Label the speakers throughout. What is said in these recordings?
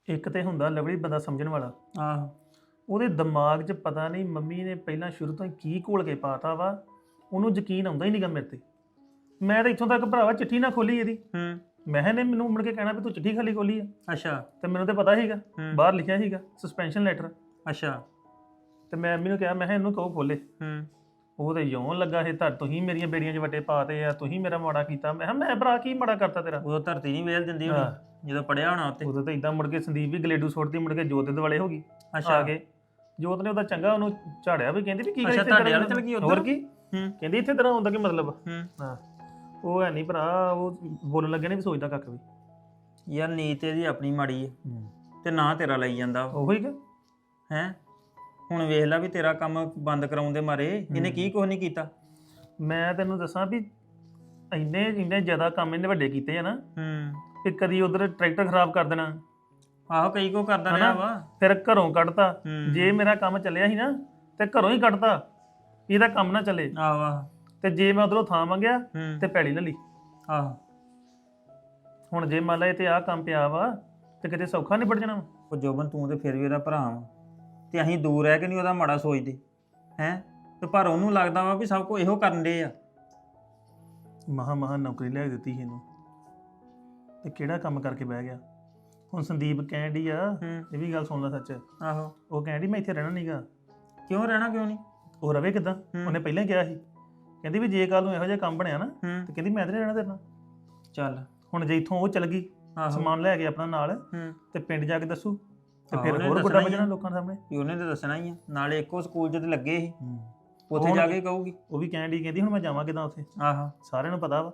Speaker 1: ਇੱਕ ਤੇ ਹੁੰਦਾ ਲਵਲੀ ਬੰਦਾ ਸਮਝਣ ਵਾਲਾ।
Speaker 2: ਆਹੋ
Speaker 1: ਉਹਦੇ ਦਿਮਾਗ 'ਚ ਪਤਾ ਨਹੀਂ ਮੰਮੀ ਨੇ ਪਹਿਲਾਂ ਸ਼ੁਰੂ ਤੋਂ ਹੀ ਕੀ ਘੋਲ ਕੇ ਪਾਤਾ ਵਾ, ਉਹਨੂੰ ਯਕੀਨ ਆਉਂਦਾ ਹੀ ਨਹੀਂਗਾ ਮੇਰੇ ਤੇ। ਮੈਂ ਤਾਂ ਇੱਥੋਂ ਤੱਕ ਭਰਾਵਾ ਚਿੱਠੀ ਨਾ ਖੋਲੀ ਇਹਦੀ, ਮੈਂ ਕਿਹਾ ਇਹਨੇ ਮੈਨੂੰ ਮੁੜ ਕੇ ਕਹਿਣਾ ਵੀ ਤੂੰ ਚਿੱਠੀ ਖਾਲੀ ਖੋਲੀ ਆ।
Speaker 2: ਅੱਛਾ
Speaker 1: ਤੇ ਮੈਨੂੰ ਤਾਂ ਪਤਾ ਸੀਗਾ, ਬਾਹਰ ਲਿਖਿਆ ਸੀਗਾ ਸਸਪੈਂਸ਼ਨ ਲੈਟਰ।
Speaker 2: ਅੱਛਾ
Speaker 1: ਤੇ ਮੈਂ ਮੰਮੀ ਨੂੰ ਕਿਹਾ, ਮੈਂ ਕਿਹਾ ਇਹਨੂੰ ਕਹੋ ਖੋਲੇ। ਉਹ ਤੇ ਯੋਂ ਲੱਗਾ ਸੀ, ਤੁਸੀਂ ਮੇਰੀਆਂ ਬੇੜੀਆਂ 'ਚ ਵੱਟੇ ਪਾਤੇ ਆ, ਤੁਸੀਂ ਮੇਰਾ ਮਾੜਾ ਕੀਤਾ। ਮੈਂ ਕਿਹਾ ਮੈਂ ਭਰਾ ਕੀ ਮਾੜਾ ਕਰਤਾ ਤੇਰਾ?
Speaker 2: ਉਹ ਧਰਤੀ ਨਹੀਂ ਵੇਲ ਦਿੰਦੀ ਹੋਣੀ ਜਦੋਂ ਪੜਿਆ ਹੋਣਾ ਉੱਤੇ।
Speaker 1: ਉਦੋਂ ਤਾਂ ਇਦਾਂ ਮੁੜ ਕੇ ਸੰਦੀਪ ਵੀ ਗਲੇਡੂ ਸੁੱਟਦੀ, ਮੁੜ ਕੇ ਜੋਤ ਦੇ ਦੁਆਲੇ ਹੋ ਗਈ। ਆ ਕੇ ਜੋਤ ਨੇ ਉਹਦਾ ਚੰਗਾ ਉਹਨੂੰ ਝਾੜਿਆ ਵੀ, ਕਹਿੰਦੀ ਵੀ ਕੀ ਕਰੀ
Speaker 2: ਤੁਹਾਡੇ ਵਾਲੇ ਚਲ ਗਈ ਉਧਰ।
Speaker 1: ਹੋਰ ਕੀ ਕਹਿੰਦੀ ਇੱਥੇ ਤਰ੍ਹਾਂ ਹੁੰਦਾ ਕੀ ਮਤਲਬ? ਹਾਂ ਉਹ ਹੈ ਨਹੀਂ ਭਰਾ, ਉਹ ਬੋਲਣ ਲੱਗੇ ਨੇ ਵੀ ਸੋਚਦਾ ਕੱਖ ਵੀ।
Speaker 2: ਯਾਰ ਨੀਤ ਇਹਦੀ ਆਪਣੀ ਮਾੜੀ ਹੈ ਤੇ ਨਾ ਤੇਰਾ ਲਈ ਜਾਂਦਾ
Speaker 1: ਉਹੀ ਕਿ
Speaker 2: ਹੈ। ਹੁਣ ਵੇਖ ਲੈ ਵੀ ਤੇਰਾ ਕੰਮ ਬੰਦ ਕਰਾਉਣ ਦੇ ਮਾਰੇ ਇਹਨੇ ਕੀ ਕੁਝ ਨਹੀਂ ਕੀਤਾ।
Speaker 1: ਮੈਂ ਤੈਨੂੰ ਦੱਸਾਂ ਵੀ ਇੰਨੇ ਜ਼ਿਆਦਾ ਕੰਮ ਇਹਨੇ ਵੱਡੇ ਕੀਤੇ ਆ ਨਾ, ਵੀ ਕਦੀ ਉਧਰ ਟਰੈਕਟਰ ਖਰਾਬ ਕਰ ਦੇਣਾ।
Speaker 2: ਆਹੋ ਕਈ ਕੋ ਕਰਦਾ ਰਿਹਾ ਵਾ,
Speaker 1: ਫਿਰ ਘਰੋਂ ਕੱਢਤਾ। ਜੇ ਮੇਰਾ ਕੰਮ ਚੱਲਿਆ ਸੀ ਨਾ ਤੇ ਘਰੋਂ ਹੀ ਕੱਢਤਾ, ਇਹਦਾ ਕੰਮ ਨਾ ਚੱਲੇ।
Speaker 2: ਆਹ
Speaker 1: ਤੇ ਜੇ ਮੈਂ ਉਧਰੋਂ ਥਾਂ ਮੰਗਿਆ ਤੇ ਪੈੜੀ ਲੈ ਲਈ।
Speaker 2: ਆਹੋ
Speaker 1: ਹੁਣ ਜੇ ਮੰਨ ਲਾ ਇਹ ਤੇ ਆਹ ਕੰਮ ਪਿਆ ਵਾ ਤੇ ਕਿਤੇ ਸੌਖਾ ਨਿਬੜ ਜਾਣਾ ਵਾ।
Speaker 2: ਉਹ ਜੋਬਨ ਤੂੰ ਤੇ ਫਿਰ ਵੀ ਉਹਦਾ ਭਰਾ ਵਾ, ਤੇ ਅਸੀਂ ਦੂਰ ਰਹਿ ਕੇ ਨਹੀਂ ਉਹਦਾ ਮਾੜਾ ਸੋਚਦੇ ਹੈ। ਤੇ ਪਰ ਉਹਨੂੰ ਲੱਗਦਾ ਵਾ ਵੀ ਸਭ ਕੁਝ ਇਹੋ ਕਰਨ ਦੇ ਆ।
Speaker 1: ਮਹਾ ਨੌਕਰੀ ਲੈ ਕੇ ਦਿੱਤੀ ਸੀ ਇਹਨੂੰ, ਤੇ ਕਿਹੜਾ ਕੰਮ ਕਰਕੇ ਬਹਿ ਗਿਆ। ਹੁਣ ਸੰਦੀਪ ਕਹਿਣ ਡਈ ਆ, ਇਹ ਵੀ ਗੱਲ ਸੁਣ ਲੈ ਸੱਚ।
Speaker 2: ਆਹੋ
Speaker 1: ਉਹ ਕਹਿਣ ਡਈ ਮੈਂ ਇੱਥੇ ਰਹਿਣਾ ਨਹੀਂਗਾ।
Speaker 2: ਕਿਉਂ ਰਹਿਣਾ ਕਿਉਂ ਨਹੀਂ?
Speaker 1: ਉਹ ਰਵੇ ਕਿੱਦਾਂ? ਉਹਨੇ ਪਹਿਲਾਂ ਹੀ ਕਿਹਾ ਸੀ, ਕਹਿੰਦੀ ਵੀ ਜੇ ਕੱਲ ਨੂੰ ਇਹੋ ਜਿਹਾ ਕੰਮ ਬਣਿਆ ਨਾ ਤੇ ਕਹਿੰਦੀ ਮੈਂ ਤੇ ਰਹਿਣਾ ਤੇਰੇ ਨਾਲ।
Speaker 2: ਚੱਲ
Speaker 1: ਹੁਣ ਜੇ ਇੱਥੋਂ ਉਹ ਚਲ ਗਈ ਸਮਾਨ ਲੈ ਕੇ ਆਪਣਾ ਨਾਲ, ਤੇ ਪਿੰਡ ਜਾ ਕੇ ਦੱਸੂ ਤੇ ਫਿਰ ਹੋਰ ਵੱਡਾ ਵਜਣਾ ਲੋਕਾਂ ਸਾਹਮਣੇ।
Speaker 2: ਉਹਨੇ ਤੇ ਦੱਸਣਾ ਹੀ ਆ, ਨਾਲੇ ਇੱਕੋ ਸਕੂਲ 'ਚ ਤੇ ਲੱਗੇ ਸੀ, ਉੱਥੇ ਜਾ ਕੇ ਕਹੂਗੀ।
Speaker 1: ਉਹ ਵੀ ਕਹਿਣ ਡਈ, ਕਹਿੰਦੀ ਹੁਣ ਮੈਂ ਜਾਵਾਂ ਕਿੱਦਾਂ ਉੱਥੇ?
Speaker 2: ਆਹੋ
Speaker 1: ਸਾਰਿਆਂ ਨੂੰ ਪਤਾ ਵਾ।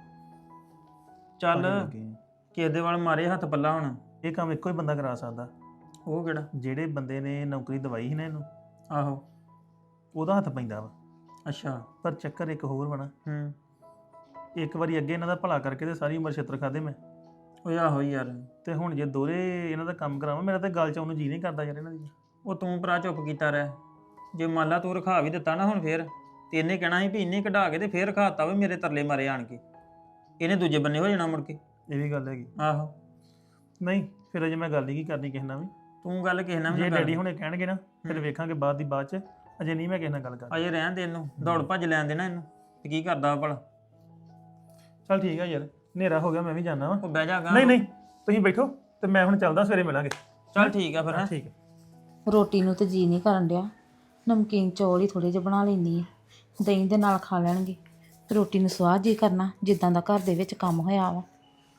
Speaker 2: ਚੱਲ ਕਿਸੇ ਦੇ ਵੱਲ ਮਾਰੇ ਹੱਥ ਪੱਲਾ। ਹੁਣ
Speaker 1: ਇਹ ਕੰਮ ਇੱਕੋ ਹੀ ਬੰਦਾ ਕਰਾ ਸਕਦਾ।
Speaker 2: ਉਹ ਕਿਹੜਾ? ਜਿਹੜੇ
Speaker 1: ਬੰਦੇ ਨੇ ਨੌਕਰੀ ਦਵਾਈ ਸੀ ਨਾ ਇਹਨੂੰ,
Speaker 2: ਆਹੋ
Speaker 1: ਉਹਦਾ ਹੱਥ ਪੈਂਦਾ ਵਾ।
Speaker 2: ਅੱਛਾ
Speaker 1: ਪਰ ਚੱਕਰ ਇੱਕ ਹੋਰ ਬਣਾ, ਇੱਕ ਵਾਰੀ ਅੱਗੇ ਇਹਨਾਂ ਦਾ ਭਲਾ ਕਰਕੇ ਤੇ ਸਾਰੀ ਉਮਰ ਛਿੱਤਰ ਖਾਦੇ ਮੈਂ।
Speaker 2: ਉਹ ਆਹੋ ਯਾਰ,
Speaker 1: ਤੇ ਹੁਣ ਜੇ ਦੋਰੇ ਇਹਨਾਂ ਦਾ ਕੰਮ ਕਰਾਵਾਂ, ਮੇਰਾ ਤਾਂ ਗੱਲ ਚ ਉਹਨੂੰ ਜੀ ਨਹੀਂ ਕਰਦਾ ਯਾਰ ਇਹਨਾਂ ਦੀ।
Speaker 2: ਉਹ ਤੂੰ ਭਰਾ ਚੁੱਪ ਕੀਤਾ ਰਹਿ। ਜੇ ਮੰਨ ਲਾ ਤੂੰ ਰਖਾ ਵੀ ਦਿੱਤਾ ਨਾ ਹੁਣ ਫੇਰ, ਤੇ ਇਹਨੇ ਕਹਿਣਾ ਸੀ ਵੀ ਇੰਨੇ ਕਢਾ ਕੇ ਤੇ ਫੇਰ ਰਖਾਤਾ ਵੀ ਮੇਰੇ ਤਰਲੇ ਮਾਰੇ ਆਣ ਕੇ। ਇਹਨੇ ਦੂਜੇ ਬੰਨੇ ਹੋ ਜਾਣਾ ਮੁੜ ਕੇ। ਇਹ
Speaker 1: ਵੀ ਗੱਲ ਹੈਗੀ।
Speaker 2: ਆਹੋ
Speaker 1: ਨਹੀਂ ਫਿਰ ਅਜੇ ਮੈਂ ਗੱਲ ਹੀ ਕੀ ਕਰਨੀ ਕਿਸੇ ਨਾਲ ਵੀ।
Speaker 2: ਤੂੰ ਗੱਲ ਕਿਸੇ ਨਾਲ ਵੀ
Speaker 1: ਜੇ ਡੈਡੀ ਹੁਣੇ ਕਹਿਣਗੇ ਨਾ ਫਿਰ ਵੇਖਾਂਗੇ ਬਾਅਦ ਚ। ਅਜੇ ਨਹੀਂ ਮੈਂ ਕਿਸੇ ਨਾਲ ਗੱਲ ਕਰਨੀ।
Speaker 2: ਅਜੇ ਰਹਿਣ ਦੇ ਇਹਨੂੰ, ਦੌੜ ਭੱਜ ਲੈਣ ਦੇਣਾ ਇਹਨੂੰ, ਤੇ ਕੀ ਕਰਦਾ ਭਲਾ।
Speaker 1: ਚੱਲ ਠੀਕ ਆ ਯਾਰ, ਹਨੇਰਾ ਹੋ ਗਿਆ, ਮੈਂ ਵੀ ਜਾਣਾ ਵਾ।
Speaker 2: ਉਹ ਬਹਿ ਜਾਗਾ।
Speaker 1: ਨਹੀਂ ਤੁਸੀਂ ਬੈਠੋ ਤੇ ਮੈਂ ਹੁਣ ਚੱਲਦਾ, ਸਵੇਰੇ ਮਿਲਾਂਗੇ।
Speaker 2: ਚੱਲ ਠੀਕ ਆ ਫਿਰ।
Speaker 1: ਠੀਕ ਹੈ।
Speaker 3: ਰੋਟੀ ਨੂੰ ਤੇ ਜੀ ਨਹੀਂ ਕਰਨ ਡਿਆ, ਨਮਕੀਨ ਚੌਲ ਹੀ ਥੋੜੇ ਜਿਹੇ ਬਣਾ ਲੈਂਦੀ ਆ, ਦਹੀਂ ਦੇ ਨਾਲ ਖਾ ਲੈਣਗੇ। ਰੋਟੀ ਨੂੰ ਸਵਾਦ ਜੀ ਕਰਨਾ ਜਿੱਦਾਂ ਦਾ ਘਰ ਦੇ ਵਿੱਚ ਕੰਮ ਹੋਇਆ ਵਾ।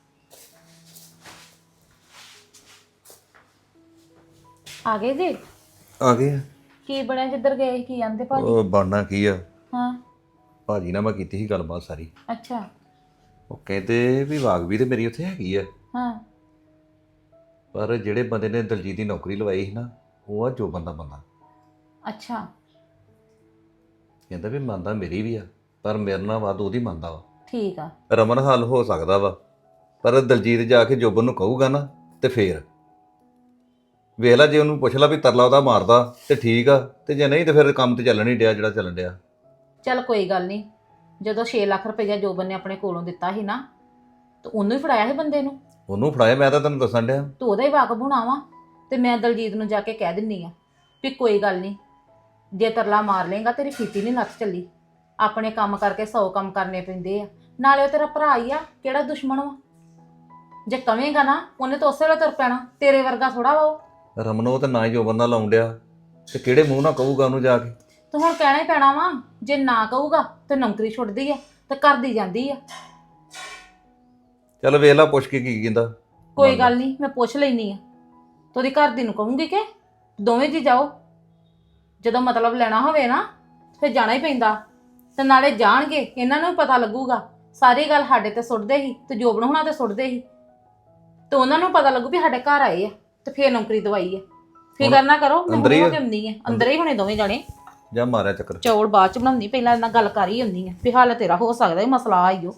Speaker 3: ਆ ਗਏ ਜੀ?
Speaker 4: ਆ ਗਏ।
Speaker 3: ਕੀ ਬਣਿਆ? ਜਿੱਧਰ ਗਏ ਸੀ ਕੀ ਆਂਦੇ ਭਾਜੀ?
Speaker 4: ਉਹ ਬਣਨਾ ਕੀ ਆ,
Speaker 3: ਹਾਂ
Speaker 4: ਭਾਜੀ ਨਾਲ ਮੈਂ ਕੀਤੀ ਸੀ ਗੱਲਬਾਤ ਸਾਰੀ।
Speaker 3: ਅੱਛਾ।
Speaker 4: ਉਹ ਕਹਿੰਦੇ ਵੀ ਵਾਗ ਵੀ ਤੇ ਮੇਰੀ ਉੱਥੇ ਹੈਗੀ ਆ,
Speaker 3: ਹਾਂ
Speaker 4: ਪਰ ਜਿਹੜੇ ਬੰਦੇ ਨੇ ਦਲਜੀਤ ਦੀ ਨੌਕਰੀ ਲਵਾਈ ਸੀ ਨਾ, ਉਹ ਆ ਜੋ ਬੰਦਾ।
Speaker 3: ਅੱਛਾ।
Speaker 4: ਕਹਿੰਦਾ ਵੀ ਮੰਨਦਾ ਮੇਰੀ ਵੀ ਆ, ਪਰ ਮੇਰੇ ਨਾਲ ਵੱਧ ਉਹਦੀ ਮੰਨਦਾ ਵਾ।
Speaker 3: ਠੀਕ ਆ।
Speaker 4: ਰਮਨ ਹੱਲ ਹੋ ਸਕਦਾ ਵਾ, ਪਰ ਦਲਜੀਤ ਜਾ ਕੇ ਜੋਬਨ ਨੂੰ ਕਹੂਗਾ ਨਾ ਤੇ ਫੇਰ ਵੇਖ ਲਾ, ਜੇ ਉਹਨੂੰ ਪੁੱਛ ਲਾ ਵੀ ਤਰਲਾ ਉਹਦਾ ਮਾਰਦਾ ਤੇ ਠੀਕ ਆ, ਤੇ ਜੇ ਨਹੀਂ ਤੇ ਫਿਰ ਕੰਮ ਤੇ ਚੱਲਣ ਹੀ ਡਿਆ ਜਿਹੜਾ ਚੱਲਣ ਡਿਆ।
Speaker 3: ਚੱਲ ਕੋਈ ਗੱਲ ਨਹੀਂ, ਜਦੋਂ 6 ਲੱਖ ਰੁਪਈਆ ਜੋਬਨ ਨੇ ਆਪਣੇ ਕੋਲੋਂ ਦਿੱਤਾ ਸੀ ਨਾ, ਤਾਂ ਉਹਨੂੰ ਹੀ ਫੜਾਇਆ ਸੀ ਬੰਦੇ ਨੂੰ।
Speaker 4: ਉਹਨੂੰ ਫੜਾਇਆ, ਮੈਂ ਤਾਂ ਤੈਨੂੰ ਦੱਸਣ ਡਿਆ।
Speaker 3: ਤੂੰ ਉਹਦਾ ਹੀ ਵਾਕਬ ਹੋਣਾ ਵਾ। ਤੇ ਮੈਂ ਦਲਜੀਤ ਨੂੰ ਜਾ ਕੇ ਕਹਿ ਦਿੰਨੀ ਆ ਵੀ ਕੋਈ ਗੱਲ ਨਹੀਂ, ਜੇ ਤਰਲਾ ਮਾਰ ਲੇਗਾ ਤੇਰੀ ਫੀਤੀ ਨਹੀਂ ਨੱਥ ਚੱਲੀ। ਆਪਣੇ ਕੰਮ ਕਰਕੇ 100 ਕੰਮ ਕਰਨੇ ਪੈਂਦੇ ਆ, ਨਾਲੇ ਉਹ ਤੇਰਾ ਭਰਾ ਹੀ ਆ, ਕਿਹੜਾ ਦੁਸ਼ਮਣ ਵਾ। ਜੇ ਕਵੇਂਗਾ ਨਾ ਉਹਨੇ ਤਾਂ ਉਸੇ ਵੇਲੇ ਤੁਰ ਪੈਣਾ, ਤੇਰੇ ਵਰਗਾ ਥੋੜਾ ਵਾ ਉਹ।
Speaker 4: ਰਮਨ ਉਹ ਤਾਂ ਨਾ ਹੀ ਜੋਬਨ ਨਾਲ ਲਾਉਣ ਡਿਆ, ਤੇ ਕਿਹੜੇ ਮੂੰਹ ਨਾਲ ਕਹੂਗਾ ਉਹਨੂੰ ਜਾ ਕੇ?
Speaker 3: ਤੇ ਹੁਣ ਕਹਿਣਾ ਹੀ ਪੈਣਾ ਵਾ, ਜੇ ਨਾ ਕਹੂਗਾ ਤੇ ਨੌਕਰੀ ਛੁੱਟਦੀ ਆ ਤੇ ਕਰਦੀ ਜਾਂਦੀ ਆ।
Speaker 4: ਚੱਲ ਵੇਖ ਲਾ ਪੁੱਛ ਕੇ ਕੀ ਕਹਿੰਦਾ।
Speaker 3: ਕੋਈ ਗੱਲ ਨਹੀਂ, ਮੈਂ ਪੁੱਛ ਲੈਣੀ ਆ। ਤੋਦੀ ਘਰ ਦੀ ਨੂੰ ਕਹੂੰਗੀ ਕਿ ਦੋਵੇਂ ਜੀ ਜਾਓ, ਜਦੋਂ ਮਤਲਬ ਲੈਣਾ ਹੋਵੇ ਨਾ ਫਿਰ ਜਾਣਾ ਹੀ ਪੈਂਦਾ। ਤੇ ਨਾਲੇ ਜਾਣਗੇ, ਇਹਨਾਂ ਨੂੰ ਵੀ ਪਤਾ ਲੱਗੂਗਾ। ਸਾਰੀ ਗੱਲ ਸਾਡੇ ਤੇ ਸੁੱਟਦੇ ਸੀ ਤੇ ਜੋਬਨ ਹੋਣਾ ਤੇ ਸੁੱਟਦੇ ਸੀ, ਤੇ ਉਹਨਾਂ ਨੂੰ ਪਤਾ ਲੱਗੂ ਵੀ ਸਾਡੇ ਘਰ ਆਏ ਆ ਤੇ ਫੇਰ ਨੌਕਰੀ ਦਵਾਈ ਆ। ਫਿਕਰ ਨਾ ਕਰੋ, ਮੈਂ ਹੁਣੇ ਹੋ ਕੇ ਆਉਂਦੀ ਆ। ਅੰਦਰ ਹੀ ਹੁਣੇ ਦੋਵੇਂ ਜਾਣੇ।
Speaker 4: ਜਾਂ ਮਾਰਿਆ ਚੱਕਰ।
Speaker 3: ਚੌਲ ਬਾਅਦ ਚ ਬਣਾਉਂਦੀ, ਪਹਿਲਾਂ ਇਹਨਾਂ ਗੱਲ ਕਰ ਹੀ ਹੁੰਦੀ ਆ ਵੀ ਹਾਲ ਤੇਰਾ ਹੋ ਸਕਦਾ ਇਹ ਮਸਲਾ ਆਈਓ।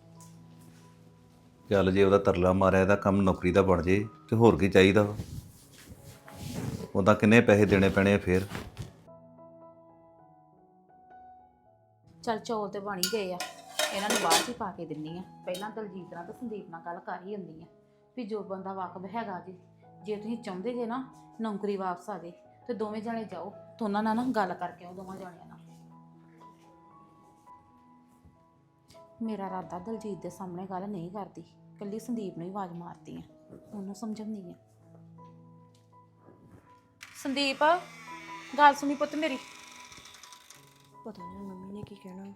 Speaker 4: ਚੱਲ ਜੇ ਉਹਦਾ ਤਰਲਾ ਮਾਰਿਆ, ਇਹਦਾ ਕੰਮ ਨੌਕਰੀ ਦਾ ਬਣ ਜੇ ਤੇ ਹੋਰ ਕੀ ਚਾਹੀਦਾ ਵਾ। ਉਹਦਾ ਕਿੰਨੇ ਪੈਸੇ ਦੇਣੇ ਪੈਣੇ ਆ ਫੇਰ।
Speaker 3: ਚੱਲ ਚੌਲ ਤੇ ਬਣ ਹੀ ਗਏ ਆ, ਇਹਨਾਂ ਨੂੰ ਬਾਅਦ ਚ ਹੀ ਪਾ ਕੇ ਦਿੰਨੀ ਆ। ਪਹਿਲਾਂ ਦਲਜੀਤ ਨਾਲ ਤੇ ਸੰਦੀਪ ਨਾਲ ਗੱਲ ਕਰ ਹੀ ਹੁੰਦੀ ਆ ਵੀ ਜੋਬਨ ਦਾ ਵਾਕਬ ਹੈਗਾ ਜੀ, ਜੇ ਤੁਸੀਂ ਚਾਹੁੰਦੇ ਜੇ ਨਾ ਨੌਕਰੀ ਵਾਪਸ ਆ ਜੇ ਤੇ ਦੋਵੇਂ ਜਾਣੇ ਜਾਓ ਤੇ ਉਹਨਾਂ ਨਾਲ ਨਾ ਗੱਲ ਕਰਕੇ ਆਓ ਦੋਵਾਂ ਜਾਣਿਆਂ ਨਾਲ। ਮੇਰਾ ਇਰਾਦਾ ਦਲਜੀਤ ਦੇ ਸਾਹਮਣੇ ਗੱਲ ਨਹੀਂ ਕਰਦੀ, ਕੱਲੀ ਸੰਦੀਪ ਨੂੰ ਹੀ ਆਵਾਜ਼ ਮਾਰਦੀ ਆ, ਉਹਨੂੰ ਸਮਝਾਉਂਦੀ ਆ। ਸੰਦੀਪ ਗੱਲ ਸੁਣੀ ਪੁੱਤ ਮੇਰੀ।
Speaker 5: ਪਤਾ ਨਹੀਂ ਮੰਮੀ ਨੇ ਕੀ ਕਹਿਣਾ।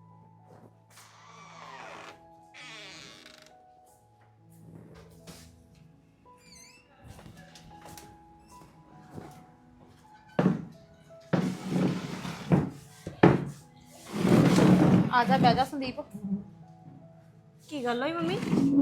Speaker 3: ਆ ਜਾ ਬਹਿ ਜਾ ਸੰਦੀਪ।
Speaker 5: ਕੀ ਗੱਲ ਹੋਈ ਮੰਮੀ?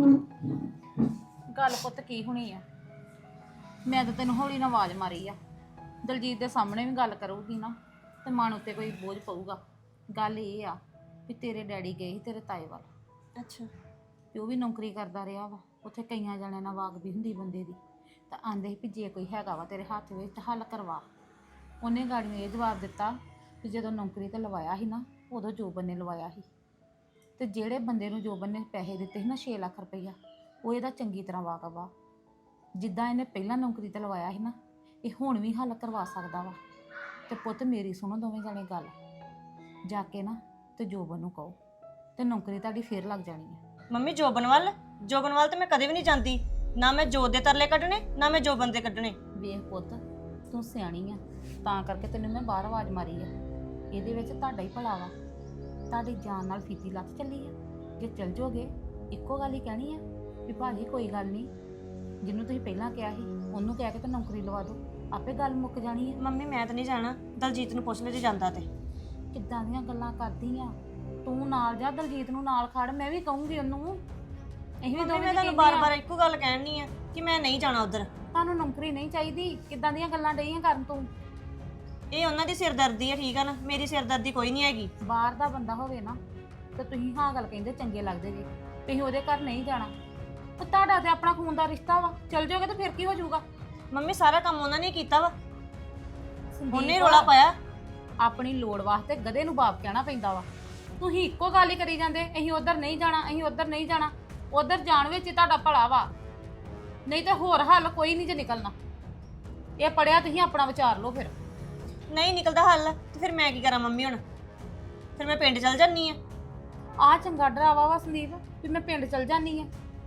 Speaker 3: ਗੱਲ ਪੁੱਤ ਕੀ ਹੋਣੀ ਆ, ਮੈਂ ਤਾਂ ਤੈਨੂੰ ਹੌਲੀ ਨਾਲ ਆਵਾਜ਼ ਮਾਰੀ ਆ। ਦਲਜੀਤ ਦੇ ਸਾਹਮਣੇ ਵੀ ਗੱਲ ਕਰੂਗੀ ਨਾ ਤੇ ਮਨ ਉੱਤੇ ਕੋਈ ਬੋਝ ਪਊਗਾ। ਗੱਲ ਇਹ ਆ ਵੀ ਤੇਰੇ ਡੈਡੀ ਗਏ ਸੀ ਤੇਰੇ ਤਾਏ ਵੱਲ,
Speaker 5: ਅੱਛਾ।
Speaker 3: ਵੀ ਉਹ ਵੀ ਨੌਕਰੀ ਕਰਦਾ ਰਿਹਾ ਵਾ ਉੱਥੇ, ਕਈਆਂ ਜਣਿਆਂ ਨਾਲ ਵਾਕ ਵੀ ਹੁੰਦੀ ਬੰਦੇ ਦੀ। ਤਾਂ ਆਂਦੇ ਸੀ ਵੀ ਜੇ ਕੋਈ ਹੈਗਾ ਵਾ ਤੇਰੇ ਹੱਥ ਵਿੱਚ ਤਾਂ ਹੱਲ ਕਰਵਾ। ਉਹਨੇ ਗਾੜੀਆਂ ਇਹ ਜਵਾਬ ਦਿੱਤਾ ਵੀ ਜਦੋਂ ਨੌਕਰੀ ਤੇ ਲਵਾਇਆ ਸੀ ਨਾ ਉਦੋਂ ਜੋਬਨ ਨੇ ਲਵਾਇਆ ਸੀ, ਤੇ ਜਿਹੜੇ ਬੰਦੇ ਨੂੰ ਜੋਬਨ ਨੇ ਪੈਸੇ ਦਿੱਤੇ ਸੀ ਨਾ 6 ਲੱਖ ਰੁਪਈਆ, ਉਹ ਇਹਦਾ ਚੰਗੀ ਤਰ੍ਹਾਂ ਵਾਕਫ ਆ। ਜਿੱਦਾਂ ਇਹਨੇ ਪਹਿਲਾਂ ਨੌਕਰੀ ਤੇ ਲਵਾਇਆ ਸੀ ਨਾ, ਇਹ ਹੁਣ ਵੀ ਹੱਲ ਕਰਵਾ ਸਕਦਾ ਵਾ। ਤੇ ਪੁੱਤ ਮੇਰੀ ਸੁਣੋ ਦੋਵੇਂ ਜਾਣੇ ਗੱਲ, ਜਾ ਕੇ ਨਾ ਤੇ ਜੋਬਨ ਨੂੰ ਕਹੋ ਤੇ ਨੌਕਰੀ ਤੁਹਾਡੀ ਫੇਰ ਲੱਗ ਜਾਣੀ ਹੈ।
Speaker 5: ਮੰਮੀ ਜੋਬਨ ਵੱਲ ਤੇ ਮੈਂ ਕਦੇ ਵੀ ਨਹੀਂ ਜਾਂਦੀ, ਨਾ ਮੈਂ ਜੋਤ ਦੇ ਤਰਲੇ ਕੱਢਣੇ ਨਾ ਮੈਂ ਜੋਬਨ ਦੇ ਕੱਢਣੇ।
Speaker 3: ਵੇਖ ਪੁੱਤ ਤੂੰ ਸਿਆਣੀ ਆ, ਤਾਂ ਕਰਕੇ ਤੈਨੂੰ ਮੈਂ ਬਾਹਰ ਆਵਾਜ਼ ਮਾਰੀ ਆ। ਇਹਦੇ ਵਿੱਚ ਤੁਹਾਡਾ ਹੀ ਭਲਾ ਵਾ, ਤੁਹਾਡੀ ਜਾਨ ਨਾਲ ਫੀਤੀ ਲੱਤ ਚੱਲੀ ਆ। ਜੇ ਚੱਲ ਜਾਓਗੇ ਇੱਕੋ ਗੱਲ ਹੀ ਕਹਿਣੀ ਆ ਵੀ ਭਾਜੀ ਕੋਈ ਗੱਲ ਨਹੀਂ, ਜਿਹਨੂੰ ਤੁਸੀਂ ਪਹਿਲਾਂ ਕਿਹਾ ਸੀ ਉਹਨੂੰ ਕਹਿ ਕੇ ਤੇ ਨੌਕਰੀ ਲਵਾ ਦਿਓ, ਆਪੇ ਗੱਲ ਮੁੱਕ ਜਾਣੀ ਹੈ।
Speaker 5: ਮੰਮੀ ਮੈਂ ਤਾਂ ਨਹੀਂ ਜਾਣਾ, ਦਲਜੀਤ ਨੂੰ ਪੁੱਛ ਲੈ ਜੇ ਜਾਂਦਾ ਤੇ।
Speaker 3: ਕਿੱਦਾਂ ਦੀਆਂ ਗੱਲਾਂ ਕਰਦੀ ਆ ਤੂੰ, ਨਾਲ ਜਾ ਦਲਜੀਤ ਨੂੰ ਨਾਲ ਖੜ, ਮੈਂ ਵੀ ਕਹੂੰਗੀ ਉਹਨੂੰ। ਅਸੀਂ ਵੀ
Speaker 5: ਮੰਮੀ
Speaker 3: ਦੋਵੇਂ
Speaker 5: ਮੈਂ ਤੁਹਾਨੂੰ ਬਾਰ-ਬਾਰ ਇੱਕੋ ਗੱਲ ਕਹਿਣੀ ਆ ਕਿ ਮੈਂ ਨਹੀਂ ਜਾਣਾ ਉਧਰ।
Speaker 3: ਤੁਹਾਨੂੰ ਨੌਕਰੀ ਨਹੀਂ ਚਾਹੀਦੀ, ਕਿੱਦਾਂ ਦੀਆਂ ਗੱਲਾਂ ਡਈਆਂ ਕਰਨ ਤੂੰ।
Speaker 5: ਇਹ ਉਹਨਾਂ ਦੀ ਸਿਰਦਰਦੀ ਹੈ, ਠੀਕ ਆ ਨਾ, ਮੇਰੀ ਸਿਰਦਰਦੀ ਕੋਈ ਨਹੀਂ ਹੈਗੀ।
Speaker 3: ਬਾਹਰ ਦਾ ਬੰਦਾ ਹੋਵੇ ਨਾ ਤੇ ਤੁਸੀਂ ਹਾਂ ਗੱਲ ਕਹਿੰਦੇ ਚੰਗੇ ਲੱਗਦੇ ਜੀ, ਤੁਸੀਂ ਉਹਦੇ ਘਰ ਨਹੀਂ ਜਾਣਾ। ਤੇ ਤੁਹਾਡਾ ਤੇ ਆਪਣਾ ਖੂਨ ਦਾ ਰਿਸ਼ਤਾ ਵਾ, ਚੱਲ ਜਾਓਗੇ ਤੇ ਫਿਰ ਕੀ ਹੋ ਜਾਊਗਾ।
Speaker 5: ਮੰਮੀ ਸਾਰਾ ਕੰਮ ਉਹਨਾਂ ਨੇ ਕੀਤਾ ਵਾ,
Speaker 3: ਸੰਦੀਪ,
Speaker 5: ਉਹਨੇ ਰੋਲਾ ਪਾਇਆ।
Speaker 3: ਆਪਣੀ ਲੋੜ ਵਾਸਤੇ ਗਧੇ ਨੂੰ ਬਾਪ ਕਹਿਣਾ ਪੈਂਦਾ ਵਾ। ਤੁਸੀਂ ਇੱਕੋ ਗੱਲ ਹੀ ਕਰੀ ਜਾਂਦੇ, ਅਸੀਂ ਉਧਰ ਨਹੀਂ ਜਾਣਾ, ਅਸੀਂ ਉਧਰ ਨਹੀਂ ਜਾਣਾ। ਉਧਰ ਜਾਣ ਵਿੱਚ ਹੀ ਤੁਹਾਡਾ ਭਲਾ ਵਾ, ਨਹੀਂ ਤੇ ਹੋਰ ਹੱਲ ਕੋਈ ਨਹੀਂ ਜੇ ਨਿਕਲਣਾ। ਇਹ ਪੜਿਆ ਤੁਸੀਂ ਆਪਣਾ ਵਿਚਾਰ ਲਓ। ਫਿਰ
Speaker 5: ਨਹੀਂ ਨਿਕਲਦਾ ਹੱਲ ਤੇ ਫਿਰ ਮੈਂ ਕੀ ਕਰਾਂ ਮੰਮੀ? ਹੁਣ ਫਿਰ ਮੈਂ ਪਿੰਡ ਚਲ ਜਾਨੀ ਆ।
Speaker 3: ਆਹ ਚੰਗਾ ਡਰਾਵਾ ਵਾ ਸੰਦੀਪ ਵੀ ਮੈਂ ਪਿੰਡ ਚਲ ਜਾਨੀ ਆ।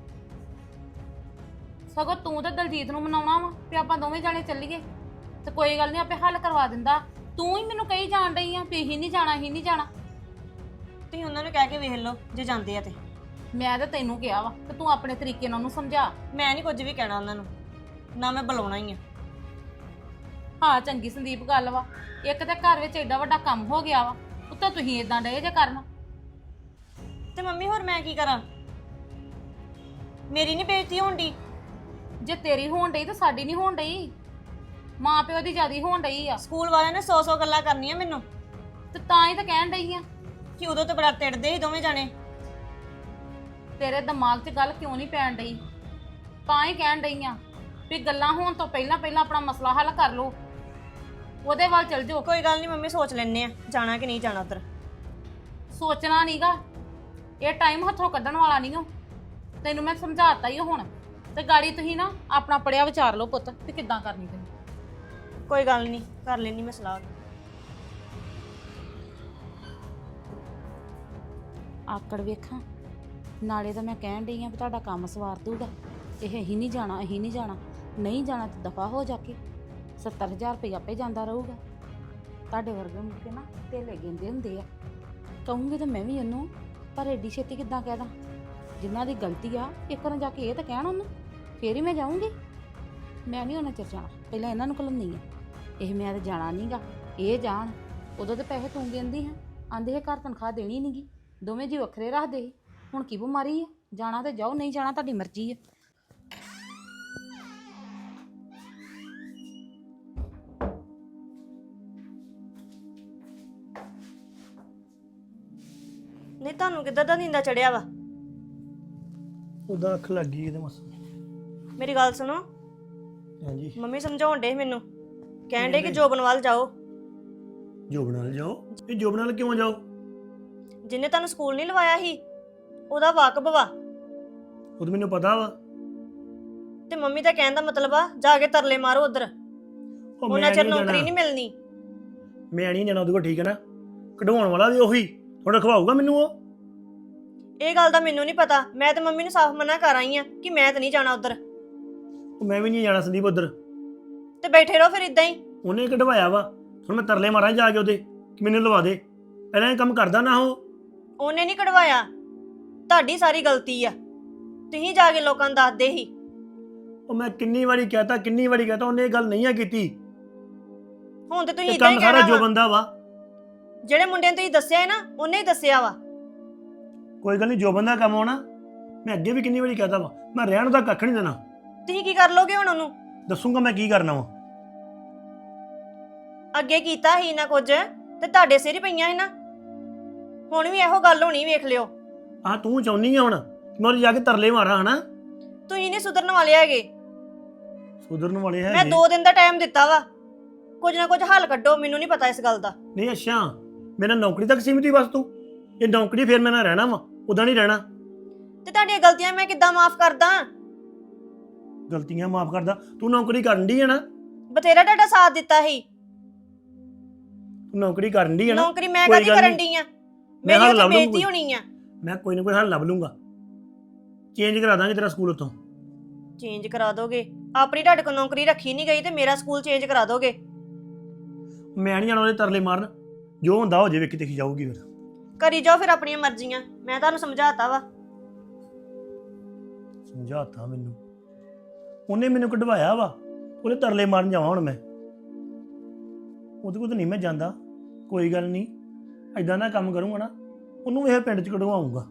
Speaker 3: ਸਗੋਂ ਤੂੰ ਤੇ ਦਲਜੀਤ ਨੂੰ ਮਨਾਉਣਾ ਵਾ ਵੀ ਆਪਾਂ ਦੋਵੇਂ ਜਾਣੇ ਚੱਲੀਏ ਤੇ ਕੋਈ ਗੱਲ ਨਹੀਂ, ਆਪੇ ਹੱਲ ਕਰਵਾ ਦਿੰਦਾ। ਤੂੰ ਹੀ ਮੈਨੂੰ ਕਹੀ ਜਾਣ ਡਈ ਆ ਵੀ ਹੀ ਨਹੀਂ ਜਾਣਾ, ਹੀ ਨਹੀਂ ਜਾਣਾ।
Speaker 5: ਤੁਸੀਂ ਉਹਨਾਂ ਨੂੰ ਕਹਿ ਕੇ ਵੇਖ ਲਓ ਜੇ ਜਾਂਦੇ ਆ ਤੇ।
Speaker 3: ਮੈਂ ਤਾਂ ਤੈਨੂੰ ਕਿਹਾ ਵਾ ਤੇ ਤੂੰ ਆਪਣੇ ਤਰੀਕੇ ਨਾਲ ਉਹਨੂੰ ਸਮਝਾ।
Speaker 5: ਮੈਂ ਨਹੀਂ ਕੁਝ ਵੀ ਕਹਿਣਾ ਉਹਨਾਂ ਨੂੰ, ਨਾ ਮੈਂ ਬੁਲਾਉਣਾ ਹੀ ਆ।
Speaker 3: ਹਾਂ ਚੰਗੀ ਸੰਦੀਪ ਗੱਲ ਵਾ, ਇੱਕ ਤੇ ਘਰ ਵਿੱਚ ਐਡਾ ਵੱਡਾ ਕੰਮ ਹੋ ਗਿਆ ਵਾ, ਉੱਤੋਂ ਤੁਸੀਂ ਇਦਾਂ ਡਏ ਜੇ ਕਰਨ।
Speaker 5: ਤੇ ਮੰਮੀ ਹੋਰ ਮੈਂ ਕੀ ਕਰਾਂ? ਮੇਰੀ ਨਹੀਂ ਬੇਇੱਜ਼ਤੀ ਹੋਣ ਡਈ।
Speaker 3: ਜੇ ਤੇਰੀ ਹੋਣ ਡਈ ਤਾਂ ਸਾਡੀ ਨਹੀਂ ਹੋਣ ਡਈ, ਮਾਂ ਪਿਓ ਦੀ ਜਿਆਦੀ ਹੋਣ ਡਈ ਆ।
Speaker 5: ਸਕੂਲ ਵਾਲਿਆਂ ਨੇ 100 ਗੱਲਾਂ ਕਰਨੀਆਂ ਮੈਨੂੰ,
Speaker 3: ਤੇ ਤਾਂ ਹੀ ਤਾਂ ਕਹਿਣ ਡਈ ਆ।
Speaker 5: ਕਿ ਉਦੋਂ ਤੇ ਬੜਾ ਤਿੜਦੇ ਸੀ ਦੋਵੇਂ ਜਾਣੇ।
Speaker 3: ਤੇਰੇ ਦਿਮਾਗ 'ਚ ਗੱਲ ਕਿਉਂ ਨਹੀਂ ਪੈਣ ਡਈ? ਤਾਂ ਹੀ ਕਹਿਣ ਡਈ ਆ ਵੀ ਗੱਲਾਂ ਹੋਣ ਤੋਂ ਪਹਿਲਾਂ ਆਪਣਾ ਮਸਲਾ ਹੱਲ ਕਰ ਲਓ, ਉਹਦੇ ਵੱਲ ਚਲ ਜਾਓ।
Speaker 5: ਕੋਈ ਗੱਲ ਨਹੀਂ ਮੰਮੀ, ਸੋਚ ਲੈਣੇ ਆ ਜਾਣਾ ਕਿ ਨਹੀਂ ਜਾਣਾ ਉਧਰ।
Speaker 3: ਸੋਚਣਾ ਨਹੀਂਗਾ, ਇਹ ਟਾਈਮ ਹੱਥੋਂ ਕੱਢਣ ਵਾਲਾ ਨਹੀਂ ਹੋ। ਤੈਨੂੰ ਮੈਂ ਸਮਝਾਤਾ ਹੀ ਹੁਣ, ਤੇ ਗਾੜੀ ਤੁਸੀਂ ਨਾ ਆਪਣਾ ਪੜਿਆ ਵਿਚਾਰ ਲਓ ਪੁੱਤ ਵੀ ਕਿੱਦਾਂ ਕਰਨੀ ਤੈਨੂੰ।
Speaker 5: ਕੋਈ ਗੱਲ ਨਹੀਂ, ਕਰ ਲੈਣੀ ਮੈਂ ਸਲਾਹ।
Speaker 3: ਆਕੜ ਵੇਖਾਂ, ਨਾਲੇ ਤਾਂ ਮੈਂ ਕਹਿਣ ਡਈ ਆ ਵੀ ਤੁਹਾਡਾ ਕੰਮ ਸਵਾਰ ਦੂਗਾ। ਇਹ ਹੀ ਨਹੀਂ ਜਾਣਾ, ਅਸੀਂ ਨਹੀਂ ਜਾਣਾ, ਨਹੀਂ ਜਾਣਾ ਤੇ ਦਫਾ ਹੋ ਜਾ ਕੇ 70,000 ਰੁਪਏ ਆਪੇ ਜਾਂਦਾ ਰਹੂਗਾ। ਤੁਹਾਡੇ ਵਰਗੇ ਮੁੜ ਕੇ ਨਾ ਢੇਲੇ ਗਿੰਦੇ ਹੁੰਦੇ ਆ। ਕਹੂੰਗੀ ਤਾਂ ਮੈਂ ਵੀ ਉਹਨੂੰ, ਪਰ ਐਡੀ ਛੇਤੀ ਕਿੱਦਾਂ ਕਹਿ ਦਾਂ? ਜਿਨ੍ਹਾਂ ਦੀ ਗਲਤੀ ਆ ਇੱਕ ਵਾਰ ਜਾ ਕੇ ਇਹ ਤਾਂ ਕਹਿਣ ਉਹਨੂੰ, ਫੇਰ ਹੀ ਮੈਂ ਜਾਊਂਗੀ। ਮੈਂ ਨਹੀਂ ਉਹਨਾਂ ਚਿਰ ਜਾਣਾ, ਪਹਿਲਾਂ ਇਹਨਾਂ ਨੂੰ ਘਲਾਉਂਦੀ ਆ। ਇਹ ਮੈਂ ਤਾਂ ਜਾਣਾ ਨਹੀਂਗਾ, ਇਹ ਜਾਣ। ਉਦੋਂ ਤੇ ਪੈਸੇ ਤੂੰ ਦਿੰਦੀ ਹਾਂ, ਆਂਦੇ ਇਹ ਘਰ ਤਨਖਾਹ ਦੇਣੀ ਨਹੀਂਗੀ, ਦੋਵੇਂ ਜੀ ਵੱਖਰੇ ਰੱਖਦੇ ਸੀ। ਹੁਣ ਕੀ ਬਿਮਾਰੀ ਆ? ਜਾਣਾ ਤੇ ਜਾਓ, ਨਹੀਂ ਜਾਣਾ ਤੁਹਾਡੀ ਮਰਜ਼ੀ ਆ।
Speaker 5: ਨਹੀਂ ਤੁਹਾਨੂੰ ਕਿੱਦਾਂ ਦਾ ਨੀਂਦਾ ਚੜਿਆ ਵਾ?
Speaker 1: ਉਹਦਾ ਅੱਖ ਲੱਗ ਗਈ ਇਹਦੇ ਮਸ।
Speaker 5: ਮੇਰੀ ਗੱਲ ਸੁਣੋ,
Speaker 1: ਹਾਂਜੀ
Speaker 5: ਮੰਮੀ ਸਮਝਾਉਣ ਡੇ ਮੈਨੂੰ, ਕਹਿਣ ਡੇ ਕਿ ਜੋਬਨ ਵੱਲ ਜਾਓ।
Speaker 1: ਜੋਬ ਨਾਲ ਜਾਓ? ਇਹ ਜੋਬ ਨਾਲ ਕਿਉਂ ਜਾਓ?
Speaker 5: ਜਿਹਨੇ ਤੁਹਾਨੂੰ ਸਕੂਲ ਨਹੀਂ ਲਵਾਇਆ ਸੀ ਉਹਦਾ ਵਾਕਬ ਵਾ।
Speaker 1: ਉਹ ਤਾਂ ਮੈਨੂੰ ਪਤਾ ਵਾ,
Speaker 5: ਤੇ ਮੰਮੀ ਦਾ ਕਹਿਣ ਦਾ ਮਤਲਬ ਆ ਜਾ ਕੇ ਤਰਲੇ ਮਾਰੋ ਉਧਰ,
Speaker 6: ਉਹ
Speaker 5: ਉਹਨਾਂ
Speaker 6: ਮੈਂ
Speaker 5: ਚਿਰ
Speaker 6: ਨਹੀਂ
Speaker 5: ਨੌਕਰੀ
Speaker 6: ਜਾਣਾ
Speaker 5: ਨਹੀਂ ਮਿਲਣੀ।
Speaker 6: ਮੈਂ ਨਹੀਂ ਜਾਣਾ ਉਹਦੇ ਕੋਲ, ਠੀਕ ਹੈ ਨਾ। ਕਢਵਾਉਣ ਵਾਲਾ ਵੀ ਉਹੀ ਥੋੜਾ ਖਵਾਊਗਾ ਮੈਨੂੰ ਉਹ।
Speaker 5: ਇਹ ਗੱਲ ਦਾ ਮੈਨੂੰ ਨਹੀਂ ਪਤਾ, ਮੈਂ ਤੇ ਮੰਮੀ ਨੂੰ ਸਾਫ਼ ਮਨਾ ਕਰ ਆਈ ਆ ਕਿ ਮੈਂ ਤੇ ਨਹੀਂ ਜਾਣਾ ਉਧਰ,
Speaker 6: ਉਹ ਮੈਂ ਵੀ ਨਹੀਂ ਜਾਣਾ ਸੰਦੀਪ ਉਧਰ।
Speaker 5: ਤੇ ਬੈਠੇ ਰਹੋ ਫਿਰ ਇਦਾਂ ਹੀ।
Speaker 6: ਉਹਨੇ ਕਢਵਾਇਆ ਵਾ, ਹੁਣ ਮੈਂ ਤਰਲੇ ਮਾਰਾਂ ਜਾ ਕੇ ਉਹਦੇ ਕਿ ਮੈਨੂੰ ਲਵਾ ਦੇ। ਪਹਿਲਾਂ ਇਹ ਕੰਮ ਕਰਦਾ ਨਾ ਉਹ।
Speaker 5: ਉਹਨੇ ਨਹੀਂ ਕਢਵਾਇਆ, ਤੁਹਾਡੀ ਸਾਰੀ ਗਲਤੀ ਆ, ਤੁਸੀਂ ਜਾ ਕੇ ਲੋਕਾਂ ਨੂੰ ਦੱਸਦੇ ਹੀ।
Speaker 6: ਉਹ ਮੈਂ ਕਿੰਨੀ ਵਾਰੀ ਕਹਤਾ ਉਹਨੇ ਇਹ ਗੱਲ ਨਹੀਂ ਆ ਕੀਤੀ।
Speaker 5: ਹੁਣ ਤੇ ਤੁਸੀਂ
Speaker 6: ਇਹ
Speaker 5: ਇਦਾਂ ਹੀ
Speaker 6: ਕੰਮ ਸਾਰਾ
Speaker 5: ਕਹਿਣਾ
Speaker 6: ਜੋ
Speaker 5: ਵਾ,
Speaker 6: ਬੰਦਾ ਵਾ।
Speaker 5: ਜਿਹੜੇ ਮੁੰਡੇ ਨੂੰ ਤੁਸੀਂ ਦੱਸਿਆ ਹੈ ਨਾ ਉਹਨੇ ਹੀ ਦੱਸਿਆ ਵਾ।
Speaker 6: ਕੋਈ ਗੱਲ ਨਹੀਂ, ਜੋ ਬੰਦਾ ਕੰਮ ਆਉਣਾ। ਮੈਂ ਅੱਗੇ ਵੀ ਕਿੰਨੀ ਵਾਰੀ ਕਹਤਾ ਵਾ, ਮੈਂ ਰਹਿਣ ਦਾ ਕੱਖ ਨਹੀਂ ਦੇਣਾ।
Speaker 5: ਤੁਸੀਂ ਕੀ ਕਰ ਲੋਗੇ ਹੁਣ ਉਹਨੂੰ?
Speaker 6: ਦੱਸੂਗਾ ਮੈਂ ਕੀ ਕਰਨਾ ਵਾ।
Speaker 5: ਅੱਗੇ ਕੀਤਾ ਹੀ ਨਾ ਕੁਝ ਤੇ ਤੁਹਾਡੇ ਸਿਰ ਹੀ ਪਈਆਂ ਸੀ ਨਾ, ਹੁਣ ਵੀ ਇਹੋ ਗੱਲ ਹੋਣੀ, ਵੇਖ ਲਿਓ।
Speaker 6: ਆਹ ਤੂੰ ਚਾਹੁੰਦੀ ਆ ਹੁਣ ਕਿ ਮੈਂ ਉਹਦੇ ਜਾ ਕੇ ਤਰਲੇ ਮਾਰਾਂ, ਹਨਾ?
Speaker 5: ਤੁਸੀਂ ਨਹੀਂ ਸੁਧਰਨ ਵਾਲੇ ਹੈਗੇ।
Speaker 6: ਸੁਧਰਨ ਵਾਲੇ
Speaker 5: ਮੈਂ
Speaker 6: ਹੈਗੇ
Speaker 5: 2 ਦਿਨ ਦਾ ਟਾਈਮ ਦਿੱਤਾ ਵਾ, ਕੁਝ ਨਾ ਕੁਝ ਹੱਲ ਕੱਢੋ, ਮੈਨੂੰ ਨਹੀਂ ਪਤਾ ਇਸ ਗੱਲ ਦਾ।
Speaker 6: ਨਹੀਂ। ਅੱਛਾ, ਮੇਰਾ ਨੌਕਰੀ ਤੱਕ ਸੀਮਿਤ ਹੀ ਬਸ ਤੂੰ? ਇਹ ਨੌਕਰੀ ਫਿਰ ਮੈਂ ਨਾ ਰਹਿਣਾ ਵਾ, ਉਦਾਂ ਨਹੀਂ ਰਹਿਣਾ।
Speaker 5: ਤੇ ਤੁਹਾਡੀਆਂ ਗਲਤੀਆਂ ਮੈਂ ਕਿੱਦਾਂ ਮਾਫ ਕਰਦਾ?
Speaker 6: ਗਲਤੀਆਂ ਮਾਫ ਕਰਦਾ? ਤੂੰ ਨੌਕਰੀ ਕਰਨ ਦੀ ਹੈ ਨਾ?
Speaker 5: ਬਥੇਰਾ ਤੁਹਾਡਾ ਸਾਥ ਦਿੱਤਾ ਸੀ।
Speaker 6: ਤੂੰ ਨੌਕਰੀ ਕਰਨ ਦੀ ਹੈ ਨਾ?
Speaker 5: ਨੌਕਰੀ ਮੈਂ
Speaker 6: ਕੋਈ
Speaker 5: ਕਦੀ
Speaker 6: ਗੱਲ
Speaker 5: ਕਰਨ
Speaker 6: ਨਹੀਂ।
Speaker 5: ਡਈ ਆ?
Speaker 6: ਮੈਂ
Speaker 5: ਮੇਰੀ
Speaker 6: ਹੱਲ
Speaker 5: ਉੱਥੇ
Speaker 6: ਲੱਭ ਲੂੰ
Speaker 5: ਬੇਇੱਜ਼ਤੀ
Speaker 6: ਕੋਈ।
Speaker 5: ਹੋਣੀ ਆ।
Speaker 6: ਮੈਂ ਕੋਈ ਨਾ ਕੋਈ ਹੱਲ ਲੱਭ ਲੂੰਗਾ, ਚੇਂਜ ਕਰਾ ਦਾਂਗੇ ਤੇਰਾ ਸਕੂਲ ਉੱਥੋਂ।
Speaker 5: ਚੇਂਜ ਕਰਾ ਦੋਗੇ? ਆਪਣੀ ਤੁਹਾਡੇ ਕੋਲ ਨੌਕਰੀ ਰੱਖੀ ਨਹੀਂ ਗਈ ਤੇ ਮੇਰਾ ਸਕੂਲ ਚੇਂਜ ਕਰਾ ਦੋਗੇ?
Speaker 6: ਮੈਂ ਨਹੀਂ ਜਾਣਾ ਉਹਦੇ ਤਰਲੇ ਮਾਰਨ, ਜੋ ਹੁੰਦਾ ਹੋ ਜੇ, ਵੇਖੀ ਦੇਖੀ ਜਾਊਗੀ ਫਿਰ।
Speaker 5: ਕਰੀ ਜਾਓ ਫਿਰ ਆਪਣੀਆਂ ਮਰਜ਼ੀਆਂ, ਮੈਂ ਤੁਹਾਨੂੰ ਸਮਝਾਤਾ ਵਾ।
Speaker 6: ਸਮਝਾਤਾ ਮੈਨੂੰ, ਉਹਨੇ ਮੈਨੂੰ ਕਢਵਾਇਆ ਵਾ, ਉਹਦੇ ਤਰਲੇ ਮਾਰਨ ਜਾਵਾਂ ਹੁਣ ਮੈਂ? ਉਹਦੇ ਕੋਲ ਤਾਂ ਨਹੀਂ ਮੈਂ ਜਾਂਦਾ। ਕੋਈ ਗੱਲ ਨਹੀਂ, ਐਦਾਂ ਦਾ ਕੰਮ ਕਰੂੰਗਾ ਨਾ, ਉਹਨੂੰ ਇਹ ਪਿੰਡ 'ਚ ਕਢਵਾਉਂਗਾ।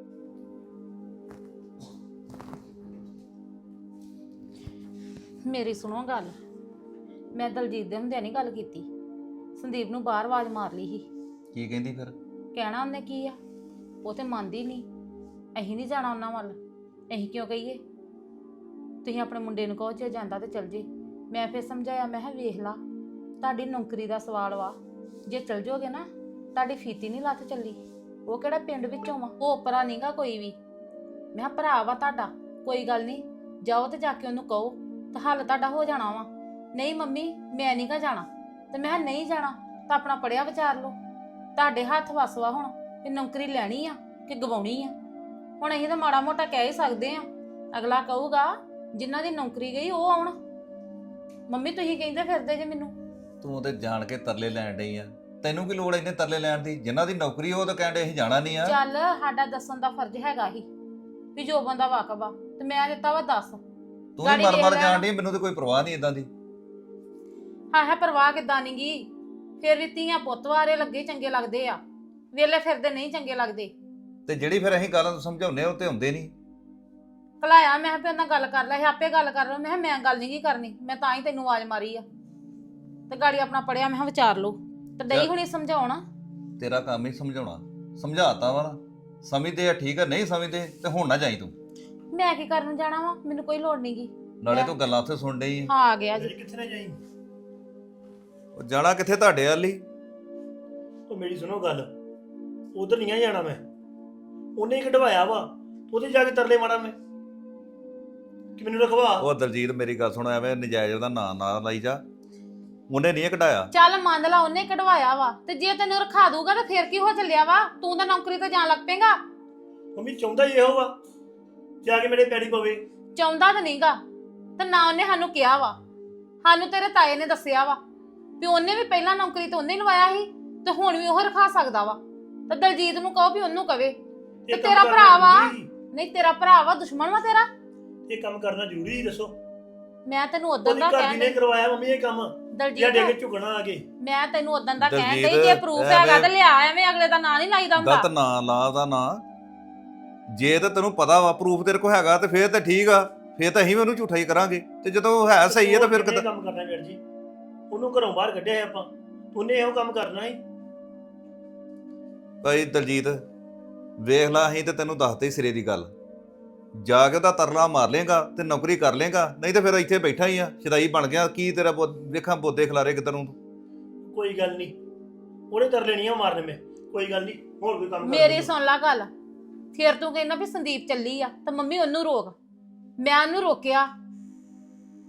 Speaker 3: ਮੇਰੀ ਸੁਣੋ ਗੱਲ, ਮੈਂ ਦਲਜੀਤ ਦੇ ਹੁੰਦਿਆਂ ਨਹੀਂ ਗੱਲ ਕੀਤੀ, ਸੰਦੀਪ ਨੂੰ ਬਾਹਰ ਆਵਾਜ਼ ਮਾਰ ਲਈ ਸੀ।
Speaker 4: ਕੀ ਕਹਿੰਦੀ ਫਿਰ?
Speaker 3: ਕਹਿਣਾ ਉਹਨੇ ਕੀ ਆ, ਉਹ ਤੇ ਮੰਨਦੀ ਨਹੀਂ। ਅਸੀਂ ਨਹੀਂ ਜਾਣਾ ਉਹਨਾਂ ਵੱਲ, ਅਸੀਂ ਕਿਉਂ ਕਹੀਏ? ਤੁਸੀਂ ਆਪਣੇ ਮੁੰਡੇ ਨੂੰ ਕਹੋ ਜੇ ਜਾਂਦਾ ਤੇ ਚਲ ਜੇ। ਮੈਂ ਫਿਰ ਸਮਝਾਇਆ, ਮੈਂ ਕਿਹਾ ਵੇਖ ਲਾ, ਤੁਹਾਡੀ ਨੌਕਰੀ ਦਾ ਸਵਾਲ ਵਾ, ਜੇ ਚਲ ਜਾਓਗੇ ਨਾ ਤੁਹਾਡੀ ਫੀਤੀ ਨਹੀਂ ਲੱਥ ਚੱਲੀ। ਉਹ ਕਿਹੜਾ ਪਿੰਡ ਵਿੱਚੋਂ ਵਾ, ਉਹ ਉਪਰਾ ਨਹੀਂਗਾ ਕੋਈ ਵੀ। ਮੈਂ ਕਿਹਾ ਭਰਾ ਵਾ ਤੁਹਾਡਾ, ਕੋਈ ਗੱਲ ਨਹੀਂ, ਜਾਓ ਤੇ ਜਾ ਕੇ ਉਹਨੂੰ ਕਹੋ ਤਾਂ ਹੱਲ ਤੁਹਾਡਾ ਹੋ ਜਾਣਾ ਵਾ। ਨਹੀਂ ਮੰਮੀ ਮੈਂ ਨਹੀਂਗਾ ਜਾਣਾ। ਤੇ ਮੈਂ ਕਿਹਾ ਨਹੀਂ ਜਾਣਾ ਤਾਂ ਆਪਣਾ ਪੜਿਆ ਵਿਚਾਰ ਲਓ, ਤੁਹਾਡੇ ਹੱਥ ਵੱਸ ਵਾ ਹੁਣ ਕਿ ਨੌਕਰੀ ਲੈਣੀ ਆ ਕਿ ਗਵਾਉਣੀ ਆ। ਹੁਣ ਅਸੀਂ ਤਾਂ ਮਾੜਾ ਮੋਟਾ ਕਹਿ ਹੀ ਸਕਦੇ ਆ, ਅਗਲਾ ਕਹੂਗਾ ਜਿਨ੍ਹਾਂ ਦੀ ਨੌਕਰੀ ਗਈ ਉਹ ਆਉਣ। ਮੰਮੀ ਤੁਸੀਂ ਕਹਿੰਦੇ ਫਿਰਦੇ ਜੇ ਮੈਨੂੰ।
Speaker 4: ਤੂੰ ਤੇ ਜਾਣ ਕੇ ਤਰਲੇ ਲੈਣ ਡਈ ਆ, ਤੈਨੂੰ ਕੀ ਲੋੜ ਇਹਨੇ ਤਰਲੇ ਲੈਣ ਦੀ? ਜਿਨ੍ਹਾਂ ਦੀ ਨੌਕਰੀ ਉਹ ਤਾਂ ਕਹਿੰਦੇ ਅਸੀਂ ਜਾਣਾ ਨਹੀਂ ਆ।
Speaker 3: ਚੱਲ ਸਾਡਾ ਦੱਸਣ ਦਾ ਫਰਜ਼ ਹੈਗਾ ਹੀ ਵੀ ਜੋ ਬੰਦਾ ਵਾਕਫ ਆ, ਤੇ ਮੈਂ ਦਿੱਤਾ ਵਾ ਦੱਸ।
Speaker 4: ਤੂੰ ਵੀ
Speaker 3: ਗਾੜੀ
Speaker 4: ਮਰ
Speaker 3: ਵੇਖ
Speaker 4: ਮਰ
Speaker 3: ਲੈ।
Speaker 4: ਜਾਣ ਡਈ, ਮੈਨੂੰ ਤਾਂ ਕੋਈ ਪਰਵਾਹ ਨਹੀਂ ਇਦਾਂ ਦੀ।
Speaker 3: ਹਾਂ ਪਰਵਾਹ ਕਿੱਦਾਂ ਨੀ ਗੀ, ਫਿਰ ਵੀ ਧੀਆਂ ਪੁੱਤ ਵਾਰੇ ਲੱਗੇ ਚੰਗੇ ਲੱਗਦੇ ਆ, ਵੇਲੇ ਫਿਰਦੇ ਨਹੀਂ ਚੰਗੇ ਲੱਗਦੇ।
Speaker 4: ਤੇ ਜਿਹੜੀ ਫਿਰ ਅਸੀਂ ਗੱਲ ਸਮਝਾਉਂਦੇ ਆ ਉਹ ਤੇ ਹੁੰਦੇ ਨਹੀਂ।
Speaker 3: ਕਲਾਇਆ ਮੈਂ ਕਿਹਾ ਵੀ ਉਹਨਾਂ ਗੱਲ ਕਰ ਲੈ, ਇਹ ਆਪੇ ਗੱਲ ਕਰ ਲਓ। ਮੈਂ ਕਿਹਾ ਮੈਂ ਗੱਲ ਨਹੀਂ ਕੀ ਕਰਨੀ, ਮੈਂ ਤਾਂ ਹੀ ਤੈਨੂੰ ਆਵਾਜ਼ ਮਾਰੀ ਆ। ਤੇ ਗਾੜੀ ਆਪਣਾ ਪੜਿਆ ਮੈਂ ਕਿਹਾ ਵਿਚਾਰ ਲਓ। ਤੇ ਡਈ ਹੁਣੀ ਸਮਝਾਉਣਾ।
Speaker 4: ਤੇਰਾ ਕੰਮ ਹੀ ਸਮਝਾਉਣਾ, ਸਮਝਾਤਾ ਵਾ ਨਾ। ਸਮਝਦੇ ਆ ਠੀਕ ਆ, ਨਹੀਂ ਸਮਝਦੇ ਤੇ ਹੁਣ ਨਾ ਜਾਈ ਤੂੰ।
Speaker 3: ਮੈਂ ਕੀ ਕਰਨ ਨੂੰ ਜਾਣਾ ਵਾ, ਮੈਨੂੰ ਕੋਈ ਲੋੜ ਨੀ ਗੀ।
Speaker 4: ਨਾਲੇ ਤੂੰ ਗੱਲਾਂ ਉੱਥੇ ਸੁਣ ਡਈ ਆ।
Speaker 3: ਹਾਂ ਆ ਗਿਆ ਜੀ।
Speaker 6: ਕਿੱਥੇ ਨਾ ਜਾਈ।
Speaker 4: ਉਹ ਜਾਣਾ ਕਿੱਥੇ ਤੁਹਾਡੇ ਵੱਲ ਹੀ?
Speaker 6: ਉਹ ਮੇਰੀ ਸੁਣੋ ਗੱਲ, ਉਧਰ ਨਹੀਂ ਆ ਜਾਣਾ ਮੈਂ। ਉਹਨੇ ਹੀ ਕਢਵਾਇਆ ਵਾ, ਉਹਦੇ ਜਾ ਕੇ ਤਰਲੇ ਮਾਰਾਂ ਮੈਂ ਕਿ ਮੈਨੂੰ ਰਖਵਾ।
Speaker 4: ਉਹ ਦਲਜੀਤ ਮੇਰੀ ਗੱਲ ਸੁਣ, ਐਵੇਂ ਨਜਾਇਜ਼ ਉਹਦਾ ਨਾਂ ਨਾ ਲਾਈ ਜਾ। ਉਹਨੇ ਨਹੀਂ ਕਢਾਇਆ।
Speaker 3: ਚੱਲ ਮੰਨ ਲਾ ਉਹਨੇ ਕਢਵਾਇਆ ਵਾ, ਤੇ ਜੇ ਤੈਨੂੰ ਰਖਾ ਦੂਗਾ ਤਾਂ ਫੇਰ ਕੀ ਹੋ ਚੱਲਿਆ ਵਾ? ਤੂੰ ਤਾਂ ਨੌਕਰੀ ਤੇ ਜਾਣ ਲੱਗ ਪੇਗਾ।
Speaker 6: ਮੰਮੀ ਚਾਹੁੰਦਾ ਹੀ ਇਹੋ ਵਾ, ਜਾ ਕੇ ਮੇਰੇ ਪੈਰੀ ਪਵੇ।
Speaker 3: ਚਾਹੁੰਦਾ ਤਾਂ ਨਹੀਂਗਾ, ਤੇ ਨਾ ਉਹਨੇ ਸਾਨੂੰ ਕਿਹਾ ਵਾ। ਸਾਨੂੰ ਤੇਰੇ ਤਾਏ ਨੇ ਦੱਸਿਆ ਵਾ ਵੀ ਉਹਨੇ ਵੀ ਪਹਿਲਾਂ ਨੌਕਰੀ ਤੇ ਉਹਨੇ ਲਵਾਇਆ ਸੀ, ਤੇ ਹੁਣ ਵੀ ਉਹ ਰਖਾ ਸਕਦਾ ਵਾ। ਤੇ ਦਲਜੀਤ ਨੂੰ ਕਹੋ ਵੀ ਉਹਨੂੰ ਕਵੇ। ਤੇ
Speaker 6: ਇਹ ਕੰਮ
Speaker 3: ਤੇਰਾ
Speaker 6: ਕਰਨਾ
Speaker 3: ਭਰਾ ਵਾ,
Speaker 6: ਜ਼ਰੂਰੀ।
Speaker 3: ਨਹੀਂ ਤੇਰਾ ਭਰਾ ਵਾ, ਦੁਸ਼ਮਣ ਵਾ ਤੇਰਾ।
Speaker 6: ਇਹ ਕੰਮ ਕਰਨਾ ਜ਼ਰੂਰੀ ਸੀ, ਦੱਸੋ।
Speaker 3: ਮੈਂ ਤੈਨੂੰ ਉਦੋਂ
Speaker 6: ਉਹਦੀ
Speaker 3: ਦਾ
Speaker 6: ਘਰ ਦੀ
Speaker 3: ਕਹਿਣ
Speaker 6: ਨੇ
Speaker 3: ਡਈ
Speaker 6: ਕਰਵਾਇਆ ਮੰਮੀ ਇਹ ਕੰਮ, ਜਾਂ ਦੇ ਕੇ
Speaker 3: ਦਲਜੀਤ,
Speaker 6: ਝੁਕਣਾ ਆ ਕੇ।
Speaker 3: ਮੈਂ ਤੈਨੂੰ ਉਦੋਂ ਦਾ ਕਹਿਣ
Speaker 4: ਦਲਜੀਤ,
Speaker 3: ਡਈ ਜੇ ਪ੍ਰੂਫ
Speaker 4: ਐਵੇਂ-
Speaker 3: ਹੈਗਾ ਤੇ ਲਿਆ, ਐਵੇਂ ਅਗਲੇ ਦਾ ਨਾਂ ਨਹੀਂ ਲਾਈਦਾ ਹੁੰਦਾ।
Speaker 4: ਗਲਤ ਨਾਂ ਲਾ ਉਹਦਾ ਨਾਂ। ਜੇ ਤਾਂ ਤੈਨੂੰ ਪਤਾ ਵਾ ਪ੍ਰੂਫ ਤੇਰੇ ਕੋਲ ਹੈਗਾ ਤੇ ਫੇਰ ਤਾਂ ਠੀਕ ਆ, ਫੇਰ ਤਾਂ ਅਸੀਂ ਵੀ ਉਹਨੂੰ ਝੂਠਾ ਹੀ ਕਰਾਂਗੇ। ਤੇ ਜਦੋਂ ਹੈ ਸਹੀ ਹੈ ਤਾਂ ਫਿਰ
Speaker 6: ਕਿਹਨੇ ਕੰਮ ਕਰਨਾ ਵੀਰ ਜੀ? ਉਹਨੂੰ ਘਰੋਂ ਬਾਹਰ ਕੱਢਿਆ ਹੈ ਆਪਾਂ, ਉਹਨੇ ਇਹੋ ਕੰਮ ਕਰਨਾ ਸੀ।
Speaker 4: ਭਾਈ ਦਲਜੀਤ ਵੇਖ ਲਾ, ਅਸੀਂ ਤੇ ਤੈਨੂੰ ਦੱਸਦੇ ਹੀ ਸਿਰੇ ਦੀ ਗੱਲ। ਜਾ ਕੇ ਉਹਦਾ ਤਰਲਾ ਮਾਰ ਲੇਗਾ ਤੇ ਨੌਕਰੀ ਕਰ ਲੇਗਾ, ਨਹੀਂ ਤੇ ਫਿਰ ਇੱਥੇ ਬੈਠਾ ਹੀ ਆ ਸ਼ਦਾਈ ਬਣ ਗਿਆ। ਕੀ ਤੇਰਾ ਵੇਖਾਂ ਬੋਦੇ ਖਿਲਾਰੇ ਕਿਤੇ ਨੂੰ।
Speaker 6: ਕੋਈ ਗੱਲ ਨਹੀਂ, ਉਹਨੇ ਤਰਲੇ ਨਹੀਂ ਮਾਰਨੇ ਮੈਂ। ਕੋਈ ਗੱਲ ਨਹੀਂ, ਹੋਰ ਕੋਈ ਕੰਮ ਕਰ
Speaker 3: ਮੇਰੀ
Speaker 6: ਲਈਏ।
Speaker 3: ਸੁਣ ਲੈ ਗੱਲ, ਫਿਰ ਤੂੰ ਕਹਿੰਦਾ ਵੀ ਸੰਦੀਪ ਚੱਲੀ ਆ ਤਾਂ ਮੰਮੀ ਉਹਨੂੰ ਰੋਕ। ਮੈਂ ਉਹਨੂੰ ਰੋਕਿਆ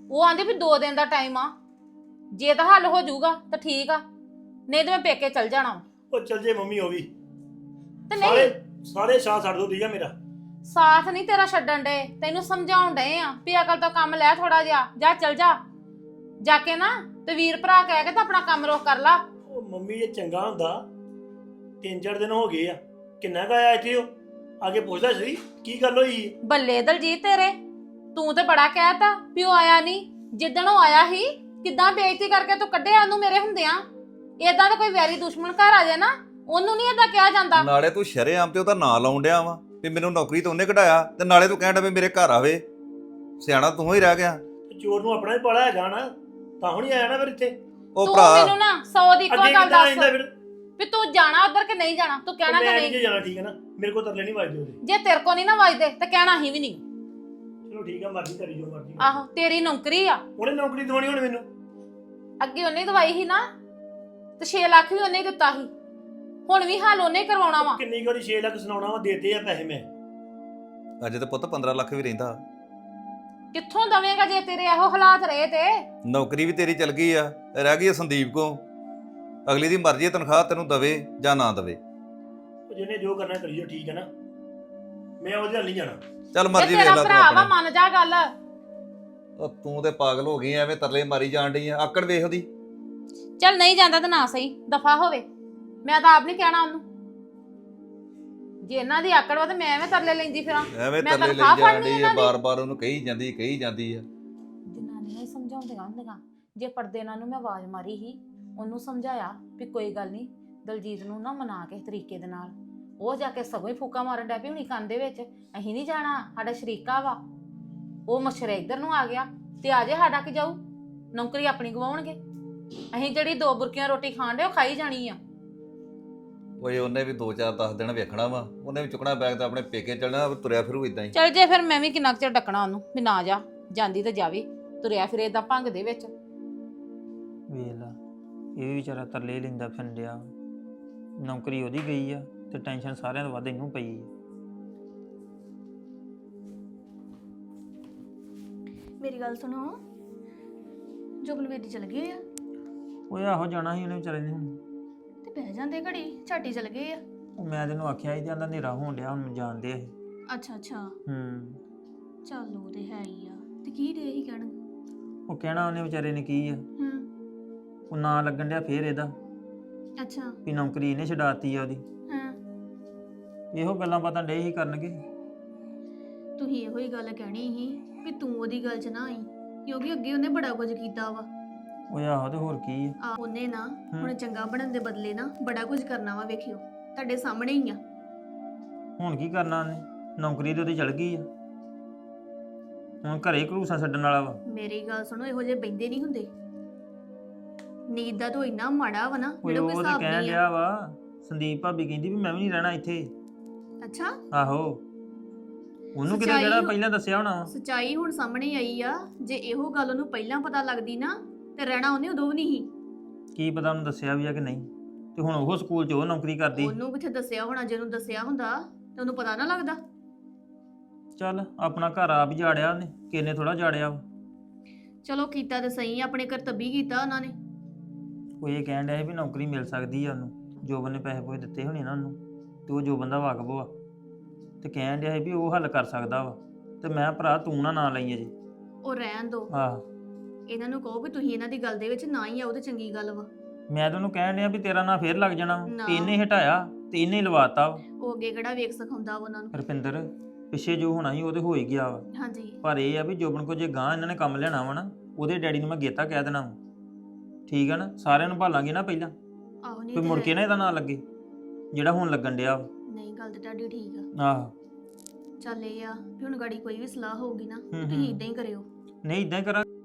Speaker 3: ਉਹ ਆਂਦੇ ਵੀ 2 ਦਿਨ ਦਾ ਟਾਈਮ ਆ, ਜੇ ਤਾਂ ਹੱਲ ਹੋ ਜਾਊਗਾ ਤਾਂ ਠੀਕ ਆ, ਨਹੀਂ ਤੇ ਮੈਂ ਪੇਕੇ ਚਲ ਜਾਣਾ ਵਾ।
Speaker 6: ਉਹ ਚੱਲ ਜੇ ਮੰਮੀ ਉਹ ਵੀ
Speaker 3: ਤੇ
Speaker 6: ਸਾਰੇ
Speaker 3: ਨਹੀਂ
Speaker 6: ਸਾਰੇ ਸਾਹ ਛੱਡ ਦੋ ਦੀਆ ਮੇਰਾ।
Speaker 3: ਸਾਥ ਨਹੀਂ ਤੇਰਾ ਛੱਡਣ ਡੇ, ਤੈਨੂੰ ਸਮਝਾਉਣ ਡਏ ਆ ਵੀ ਅਕਲ ਤੋਂ ਕੰਮ ਲੈ ਥੋੜਾ ਜਿਹਾ, ਜਾ ਚਲ ਜਾ ਕੇ ਨਾ ਤੇ ਵੀਰ ਭਰਾ ਕਹਿ ਕੇ ਤਾਂ ਆਪਣਾ ਕੰਮ ਰੋਕ ਕਰ ਲਾ।
Speaker 6: ਉਹ ਮੰਮੀ ਇਹ ਚੰਗਾ ਹੁੰਦਾ 3-4 ਦਿਨ ਹੋ ਗਏ ਆ, ਕਿੰਨਾ ਕੁ ਆਇਆ ਇੱਥੇ ਉਹ ਆ ਕੇ ਪੁੱਛਦਾ ਸੀ ਕੀ ਗੱਲ ਹੋਈ।
Speaker 3: ਬੱਲੇ ਦਲਜੀਤ ਤੇਰੇ, ਤੂੰ ਤੇ ਬੜਾ ਕਹਿਤਾ ਵੀ ਉਹ ਆਇਆ ਨਹੀਂ, ਜਿੱਦਣ ਉਹ ਆਇਆ ਸੀ ਕਿੱਦਾਂ ਬੇਇੱਜ਼ਤੀ ਕਰਕੇ ਤੂੰ ਕੱਢਿਆ ਉਹਨੂੰ ਮੇਰੇ ਹੁੰਦਿਆਂ। ਏਦਾਂ ਦਾ ਕੋਈ ਵੈਰੀ ਦੁਸ਼ਮਣ ਘਰ ਆ ਜਾਏ ਨਾ, ਉਹਨੂੰ ਨਹੀਂ ਏਦਾਂ ਕਿਹਾ ਜਾਂਦਾ।
Speaker 4: ਨਾਲੇ ਤੂੰ ਸ਼ਰੇਆਮ ਤੇ ਉਹਦਾ ਨਾਂ ਲਾਉਣ ਡਿਆ ਵਾ ਵੀ ਮੈਨੂੰ ਨੌਕਰੀ ਤੋਂ ਉਹਨੇ ਕਢਾਇਆ, ਤੇ ਨਾਲੇ ਤੂੰ ਕਹਿਣ ਡਿਆ ਵੀ ਮੇਰੇ ਘਰ ਆਵੇ। ਸਿਆਣਾ ਤੂੰ ਹੀ ਰਹਿ ਗਿਆ।
Speaker 6: ਤੇ ਚੋਰ ਨੂੰ ਆਪਣਾ ਹੀ ਪਾਲਾ ਹੈਗਾ ਨਾ, ਤਾਂ ਹੁਣ ਹੀ ਆਇਆ ਨਾ ਫਿਰ ਇੱਥੇ।
Speaker 4: ਉਹ
Speaker 3: ਤੂੰ
Speaker 4: ਭਰਾ
Speaker 3: ਮੈਨੂੰ ਨਾ 100 ਦੀ ਇੱਕੋ
Speaker 6: ਅੱਗੇ
Speaker 3: ਗੱਲ
Speaker 6: ਕਿੱਦਾਂ
Speaker 3: ਦੱਸ
Speaker 6: ਆਇੰਦਾ ਫਿਰ?
Speaker 3: ਵੀ ਤੂੰ ਜਾਣਾ ਉਧਰ ਕਿ ਨਹੀਂ ਜਾਣਾ, ਤੂੰ ਕਹਿਣਾ ਕਿ
Speaker 6: ਮੈਂ
Speaker 3: ਨਹੀਂ।
Speaker 6: ਨਹੀਂ ਜਾਣਾ, ਠੀਕ ਹੈ ਨਾ, ਮੇਰੇ ਕੋਲ ਤਰਲੇ ਨਹੀਂ ਵੱਜਦੇ ਉਹਦੇ।
Speaker 3: ਜੇ ਤੇਰੇ ਕੋ ਨਹੀਂ ਨਾ ਵੱਜਦੇ ਤਾਂ ਕਹਿਣਾ ਹੀ ਵੀ ਨਹੀਂ।
Speaker 6: ਚਲੋ ਠੀਕ ਆ, ਮਰਜ਼ੀ ਕਰੀ ਜੋ ਮਰਜ਼ੀ।
Speaker 3: ਆਹੋ ਤੇਰੀ ਨੌਕਰੀ ਆ,
Speaker 6: ਉਹਨੇ ਨੌਕਰੀ ਦਿਵਾਉਣੀ ਹੁਣ ਮੈਨੂੰ।
Speaker 3: ਅੱਗੇ ਉਹਨੇ ਦਵਾਈ ਸੀ ਨਾ, ਤੇ 6 ਲੱਖ ਵੀ ਉਹਨੇ ਹੀ ਦਿੱਤਾ ਸੀ, ਹੁਣ ਵੀ ਹਾਲ ਉਹਨੇ ਹੀ ਕਰਵਾਉਣਾ ਵਾ।
Speaker 6: ਕਿੰਨੀ ਕੁ 6 ਲੱਖ ਸੁਣਾਉਣਾ ਵਾ, ਦੇਤੇ ਆ ਪੈਸੇ ਮੈਂ।
Speaker 4: ਅਜੇ ਤਾਂ ਪੁੱਤ 15 ਲੱਖ ਵੀ ਰਹਿੰਦਾ।
Speaker 3: ਕਿੱਥੋਂ ਦਵੇਂਗਾ ਜੇ ਤੇਰੇ ਇਹੋ ਹਾਲਾਤ ਰਹੇ ਤੇ।
Speaker 4: ਨੌਕਰੀ ਵੀ ਤੇਰੀ ਚਲ ਗਈ ਆ, ਰਹਿ ਗਈ ਆ ਸੰਦੀਪ ਕੋ। ਅਗਲੀ ਦੀ ਮਰਜ਼ੀ ਹੈ ਤਨਖਾਹ ਤੈਨੂੰ ਦਵੇ ਜਾਂ ਨਾ ਦਵੇ।
Speaker 6: ਉਹ ਜਿਹਨੇ ਜੋ ਕਰਨਾ ਕਰੀਓ, ਠੀਕ ਹੈ ਨਾ, ਮੈਂ ਉਹਦੇ ਨਾਲ ਨਹੀਂ ਜਾਣਾ।
Speaker 4: ਚੱਲ
Speaker 3: ਜੇ
Speaker 4: ਮਰਜ਼ੀ ਵੇਖ
Speaker 3: ਤੇਰਾ
Speaker 4: ਲੈ ਤੂੰ
Speaker 3: ਭਰਾ ਵਾ
Speaker 4: ਆਪਣੀ।
Speaker 3: ਮੰਨ ਜਾ ਗੱਲ।
Speaker 4: ਉਹ ਤੂੰ ਤੇ ਪਾਗਲ ਹੋ ਗਈ ਐਵੇਂ ਤਰਲੇ ਮਾਰੀ ਜਾਣ ਡਈ ਆ। ਆਕੜ ਵੇਖ ਉਹਦੀ।
Speaker 3: ਚੱਲ ਨਹੀਂ ਜਾਂਦਾ ਤਾਂ ਨਾ ਸਹੀ, ਦਫਾ ਹੋਵੇ। ਮੈਂ ਤਾਂ ਆਪ ਨਹੀਂ ਕਹਿਣਾ ਉਹਨੂੰ, ਜੇ ਇਹਨਾਂ ਦੀ ਆਕੜ ਵਾ ਤੇ ਮੈਂ ਐਵੇਂ ਤਰਲੇ ਲੈਂਦੀ ਫਿਰਾਂ।
Speaker 4: ਐਵੇਂ
Speaker 3: ਮੈਂ
Speaker 4: ਤਰਲੇ ਲਈ
Speaker 3: ਤਨਖਾਹ
Speaker 4: ਜਾਣ
Speaker 3: ਫੜਨੀ
Speaker 4: ਡਈ ਆ,
Speaker 3: ਇਹਨਾਂ ਦੀ।
Speaker 4: ਬਾਰ-ਬਾਰ ਉਹਨੂੰ ਕਹੀ ਜਾਂਦੀ ਆ।
Speaker 3: ਜਨਾਨੀਆਂ ਹੀ ਸਮਝਾਉਂਦੀਆਂ ਹੁੰਦੀਆਂ। ਜੇ ਪਰਦੇ ਨਾਲ ਨੂੰ ਮੈਂ ਆਵਾਜ਼ ਮਾਰੀ ਸੀ, ਉਹਨੂੰ ਸਮਝਾਇਆ ਵੀ ਕੋਈ ਗੱਲ ਨਹੀਂ, ਦਲਜੀਤ ਨੂੰ ਨਾ ਮਨਾ ਕੇ ਤਰੀਕੇ ਦੇ ਨਾਲ। ਉਹ ਜਾ ਕੇ ਸਗੋਂ ਹੀ ਫੂਕਾ ਮਾਰਨ ਡੈ ਪਈ ਹੁਣੀ ਕੰਨ ਦੇ ਵਿੱਚ, ਅਸੀਂ ਨਹੀਂ ਜਾਣਾ, ਸਾਡਾ ਸ਼ਰੀਕਾ ਵਾ। ਉਹ ਮਸ਼ਰੇ ਇੱਧਰ ਨੂੰ ਆ ਗਿਆ ਤੇ ਆ ਜੇ ਸਾਡਾ ਕੀ ਜਾਊ, ਨੌਕਰੀ ਆਪਣੀ ਗਵਾਉਣਗੇ। ਅਸੀਂ ਜਿਹੜੀ 2 ਬੁਰਕੀਆਂ ਰੋਟੀ ਖਾਣ ਦੇ ਉਹ ਖਾਈ ਜਾਣੀ ਆ।
Speaker 4: ਓਏ ਉਹਨੇ ਵੀ 2-4-10 ਦਿਨ ਵੇਖਣਾ ਵਾ, ਉਹਨੇ ਵੀ ਚੁੱਕਣਾ ਬੈਗ ਤਾਂ ਆਪਣੇ ਪੇਕੇ ਚੱਲਣਾ, ਤੁਰਿਆ ਫਿਰੂ ਇਦਾਂ ਹੀ।
Speaker 3: ਚੱਲ ਜੇ ਫਿਰ ਮੈਂ ਵੀ ਕਿੰਨਾ ਕੁ ਚਿਰ ਡੱਕਣਾ ਉਹਨੂੰ ਵੀ ਨਾ ਜਾ, ਜਾਂਦੀ ਤਾਂ ਜਾਵੇ, ਤੁਰਿਆ ਫਿਰੇ ਏਦਾਂ ਭੰਗ ਦੇ ਵਿੱਚ।
Speaker 2: ਵੇਖ ਲਾ, ਇਹ ਵੀ ਵਿਚਾਰਾ ਤਰਲੇ ਹੀ ਲੈਂਦਾ ਫਿਰਦਿਆ। ਨੌਕਰੀ ਉਹਦੀ ਗਈ ਆ ਤੇ ਟੈਨਸ਼ਨ ਸਾਰਿਆਂ ਤੋਂ ਵੱਧ ਇਹਨੂੰ ਪਈ ਆ।
Speaker 7: ਮੇਰੀ ਗੱਲ ਸੁਣੋ, ਜੋਗਨਵੀਰ ਦੀ ਚਲ ਗਏ ਆ
Speaker 2: ਓਏ ਆਹੋ ਜਾਣਾ ਸੀ ਉਹਨੇ ਵਿਚਾਰੇ ਨੇ ਹੁਣ।
Speaker 7: ਤੇ ਬਹਿ ਜਾਂਦੇ ਘੜੀ, ਝਾਟੀ ਚਲ ਗਏ ਆ।
Speaker 2: ਉਹ ਮੈਂ ਤੈਨੂੰ ਆਖਿਆ ਸੀ ਜਾਂਦਾ ਹਨੇਰਾ ਹੋਣ ਡਿਆ, ਹੁਣ ਜਾਣਦੇ ਅਸੀਂ।
Speaker 7: ਅੱਛਾ ਅੱਛਾ,
Speaker 2: ਹੂੰ।
Speaker 7: ਚੱਲ ਉਹ ਤੇ ਹੈ ਹੀ ਆ। ਤੇ ਕੀ ਡੇ ਹੀ ਕਹਿਣ?
Speaker 2: ਉਹ ਕਹਿਣਾ ਉਹਨੇ ਵਿਚਾਰੇ ਨੇ ਕੀ ਆ,
Speaker 7: ਹੂੰ,
Speaker 2: ਉਹ ਨਾਂ ਲੱਗਣ ਡਿਆ ਫੇਰ ਇਹਦਾ
Speaker 7: ਅੱਛਾ,
Speaker 2: ਵੀ ਨੌਕਰੀ ਇਹਨੇ ਛਡਾਤੀ ਆ ਉਹਦੀ।
Speaker 7: ਹਾਂ।
Speaker 2: ਇਹੋ ਗੱਲਾਂ ਬਾਤਾਂ ਡੇ ਹੀ ਕਰਨਗੇ।
Speaker 7: ਤੁਸੀਂ ਇਹੋ ਹੀ ਗੱਲ ਕਹਿਣੀ ਸੀ ਵੀ ਤੂੰ ਉਹਦੀ ਗੱਲ 'ਚ ਨਾ ਆਈ, ਕਿਉਂਕਿ ਅੱਗੇ ਉਹਨੇ ਬੜਾ ਕੁਝ ਕੀਤਾ ਵਾ।
Speaker 2: ਓਏ ਆਹੋ ਤੇ ਹੋਰ ਕੀ ਆ।
Speaker 7: ਉਹਨੇ ਨਾ ਹੁਣ ਚੰਗਾ ਬਣਨ ਦੇ ਬਦਲੇ ਨਾ ਬੜਾ ਕੁਝ ਕਰਨਾ ਵਾ, ਵੇਖਿਓ ਤੁਹਾਡੇ ਸਾਹਮਣੇ ਹੀ ਆ।
Speaker 2: ਹੁਣ ਕੀ ਕਰਨਾ ਉਹਨੇ, ਨੌਕਰੀ ਤੇ ਉਹਦੀ ਚਲ ਗਈ ਆ, ਹੁਣ ਘਰੇ ਘਲੂਸਾ ਛੱਡਣ ਵਾਲਾ ਵਾ।
Speaker 7: ਮੇਰੀ ਗੱਲ ਸੁਣੋ, ਇਹੋ ਜਿਹੇ ਬੈਂਦੇ ਨਹੀਂ ਹੁੰਦੇ। ਨੀਂਦ ਦਾ ਤਾਂ ਇੰਨਾ ਮਾੜਾ ਵਾ ਨਾ,
Speaker 2: ਓਏ
Speaker 7: ਜਿਹੜਾ ਕੋਈ
Speaker 2: ਉਹ ਤੇ
Speaker 7: ਹਿਸਾਬ
Speaker 2: ਕਹਿਣ
Speaker 7: ਨਹੀਂ ਆ।
Speaker 2: ਡਿਆ ਵਾ, ਸੰਦੀਪ ਭਾਬੀ ਕਹਿੰਦੀ ਵੀ ਮੈਂ ਵੀ ਨਹੀਂ ਰਹਿਣਾ ਇੱਥੇ।
Speaker 7: ਅੱਛਾ,
Speaker 2: ਆਹੋ, ਉਹਨੂੰ ਕਿਤੇ
Speaker 7: ਸੱਚਾਈ
Speaker 2: ਜਿਹੜਾ
Speaker 7: ਹੋ-
Speaker 2: ਪਹਿਲਾਂ ਦੱਸਿਆ ਹੋਣਾ ਵਾ।
Speaker 7: ਸੱਚਾਈ ਹੁਣ ਸਾਹਮਣੇ ਆਈ ਆ। ਜੇ ਇਹੋ ਗੱਲ ਉਹਨੂੰ ਪਹਿਲਾਂ ਪਤਾ ਲੱਗਦੀ ਨਾ ਤੇ ਰਹਿਣਾ ਉਹਨੇ ਉਦੋਂ ਵੀ ਨਹੀਂ ਸੀ।
Speaker 2: ਕੀ ਪਤਾ ਉਹਨੂੰ ਦੱਸਿਆ ਵੀ ਆ ਕਿ ਨਹੀਂ, ਤੇ ਹੁਣ ਉਹ ਸਕੂਲ 'ਚ ਉਹ ਨੌਕਰੀ ਕਰਦੀ।
Speaker 7: ਉਹਨੂੰ ਕਿੱਥੇ ਦੱਸਿਆ ਹੋਣਾ, ਜੇ ਉਹਨੂੰ ਦੱਸਿਆ ਹੁੰਦਾ ਤੇ ਉਹਨੂੰ ਪਤਾ ਨਾ ਲੱਗਦਾ।
Speaker 2: ਚੱਲ ਆਪਣਾ ਘਰ ਆਪ ਹੀ ਜਾੜਿਆ ਉਹਨੇ, ਕਿੰਨੇ ਥੋੜਾ ਜਾੜਿਆ ਵਾ।
Speaker 7: ਚਲੋ ਕੀਤਾ ਤੇ ਸਹੀ, ਆਪਣੇ ਕਰਤੱਵੀ ਕੀਤਾ ਉਹਨਾਂ ਨੇ।
Speaker 2: ਉਹ ਇਹ ਕਹਿਣ ਡਿਆ ਸੀ ਵੀ ਨੌਕਰੀ ਮਿਲ ਸਕਦੀ ਆ ਉਹਨੂੰ, ਜੋਬਨ ਨੇ ਪੈਸੇ ਪੂਸੇ ਦਿੱਤੇ ਹੋਣੇ ਨਾ ਉਹਨੂੰ, ਤੇ ਉਹ ਜੋਬਨ ਦਾ ਵਾਕਬ ਵਾ, ਤੇ ਕਹਿਣ ਡਿਆ ਸੀ ਵੀ ਉਹ ਹੱਲ ਕਰ ਸਕਦਾ ਵਾ। ਤੇ ਮੈਂ ਭਰਾ ਤੂੰ ਨਾ ਲਈ ਅਜੇ।
Speaker 7: ਉਹ ਰਹਿਣ ਦੋ,
Speaker 2: ਆਹ
Speaker 7: ਇਹਨਾਂ ਨੂੰ ਕਹੋ ਵੀ ਤੁਸੀਂ ਇਹਨਾਂ ਦੀ ਗੱਲ ਦੇ ਵਿੱਚ ਨਾ ਹੀ ਆਓ ਤੇ ਚੰਗੀ ਗੱਲ ਵਾ।
Speaker 2: ਮੈਂ ਤਾਂ ਉਹਨੂੰ ਕਹਿਣ ਡਿਆ ਵੀ ਤੇਰਾ ਨਾਂ ਫੇਰ ਲੱਗ ਜਾਣਾ ਵਾ,
Speaker 7: ਨਾ।
Speaker 2: ਤੇ ਇਹਨੇ ਹਟਾਇਆ ਤੇ ਇਹਨੇ ਹੀ ਲਵਾਤਾ ਵਾ।
Speaker 7: ਉਹ ਅੱਗੇ ਕਿਹੜਾ ਵੇਖ ਸਿਖਾਉਂਦਾ ਵਾ ਉਹਨਾਂ ਨੂੰ।
Speaker 2: ਰੁਪਿੰਦਰ ਪਿੱਛੇ ਜੋ ਹੋਣਾ ਸੀ ਉਹ ਤੇ ਹੋ ਹੀ ਗਿਆ ਵਾ,
Speaker 7: ਹਾਂਜੀ,
Speaker 2: ਪਰ ਇਹ ਆ ਵੀ ਜੋਬਨ ਕੋ ਜੇ ਗਾਂ ਇਹਨਾਂ ਨੇ ਕੰਮ ਲੈਣਾ ਵਾ ਨਾ, ਉਹਦੇ ਡੈਡੀ ਨੂੰ ਮੈਂ ਗੇਤਾ ਕਹਿ ਦੇਣਾ ਵਾ। ਠੀਕ ਆ ਨਾ, ਸਾਰਿਆਂ ਨੂੰ ਭਾਲਾਂਗੇ ਨਾ ਪਹਿਲਾਂ,
Speaker 7: ਆਹੋ ਨਹੀਂ
Speaker 2: ਕੋਈ ਮੁੜ ਕੇ ਨਾ ਇਹਦਾ ਨਾਂ ਲੱਗੇ ਜਿਹੜਾ ਹੁਣ ਲੱਗਣ ਡਿਆ ਵਾ।
Speaker 7: ਨਹੀਂ, ਗੱਲ ਤੇ ਤੁਹਾਡੀ ਠੀਕ ਆ।
Speaker 2: ਆਹੋ,
Speaker 7: ਚੱਲ ਇਹ ਆ ਵੀ ਹੁਣ ਗਾੜੀ ਕੋਈ ਵੀ ਸਲਾਹ ਹੋਊਗੀ ਨਾ
Speaker 2: ਹੂੰ,
Speaker 7: ਤੁਸੀਂ
Speaker 2: ਹੂੰ।
Speaker 7: ਇਦਾਂ ਹੀ ਕਰਿਓ।
Speaker 2: ਨਹੀਂ ਇਦਾਂ ਹੀ ਕਰਾਂ।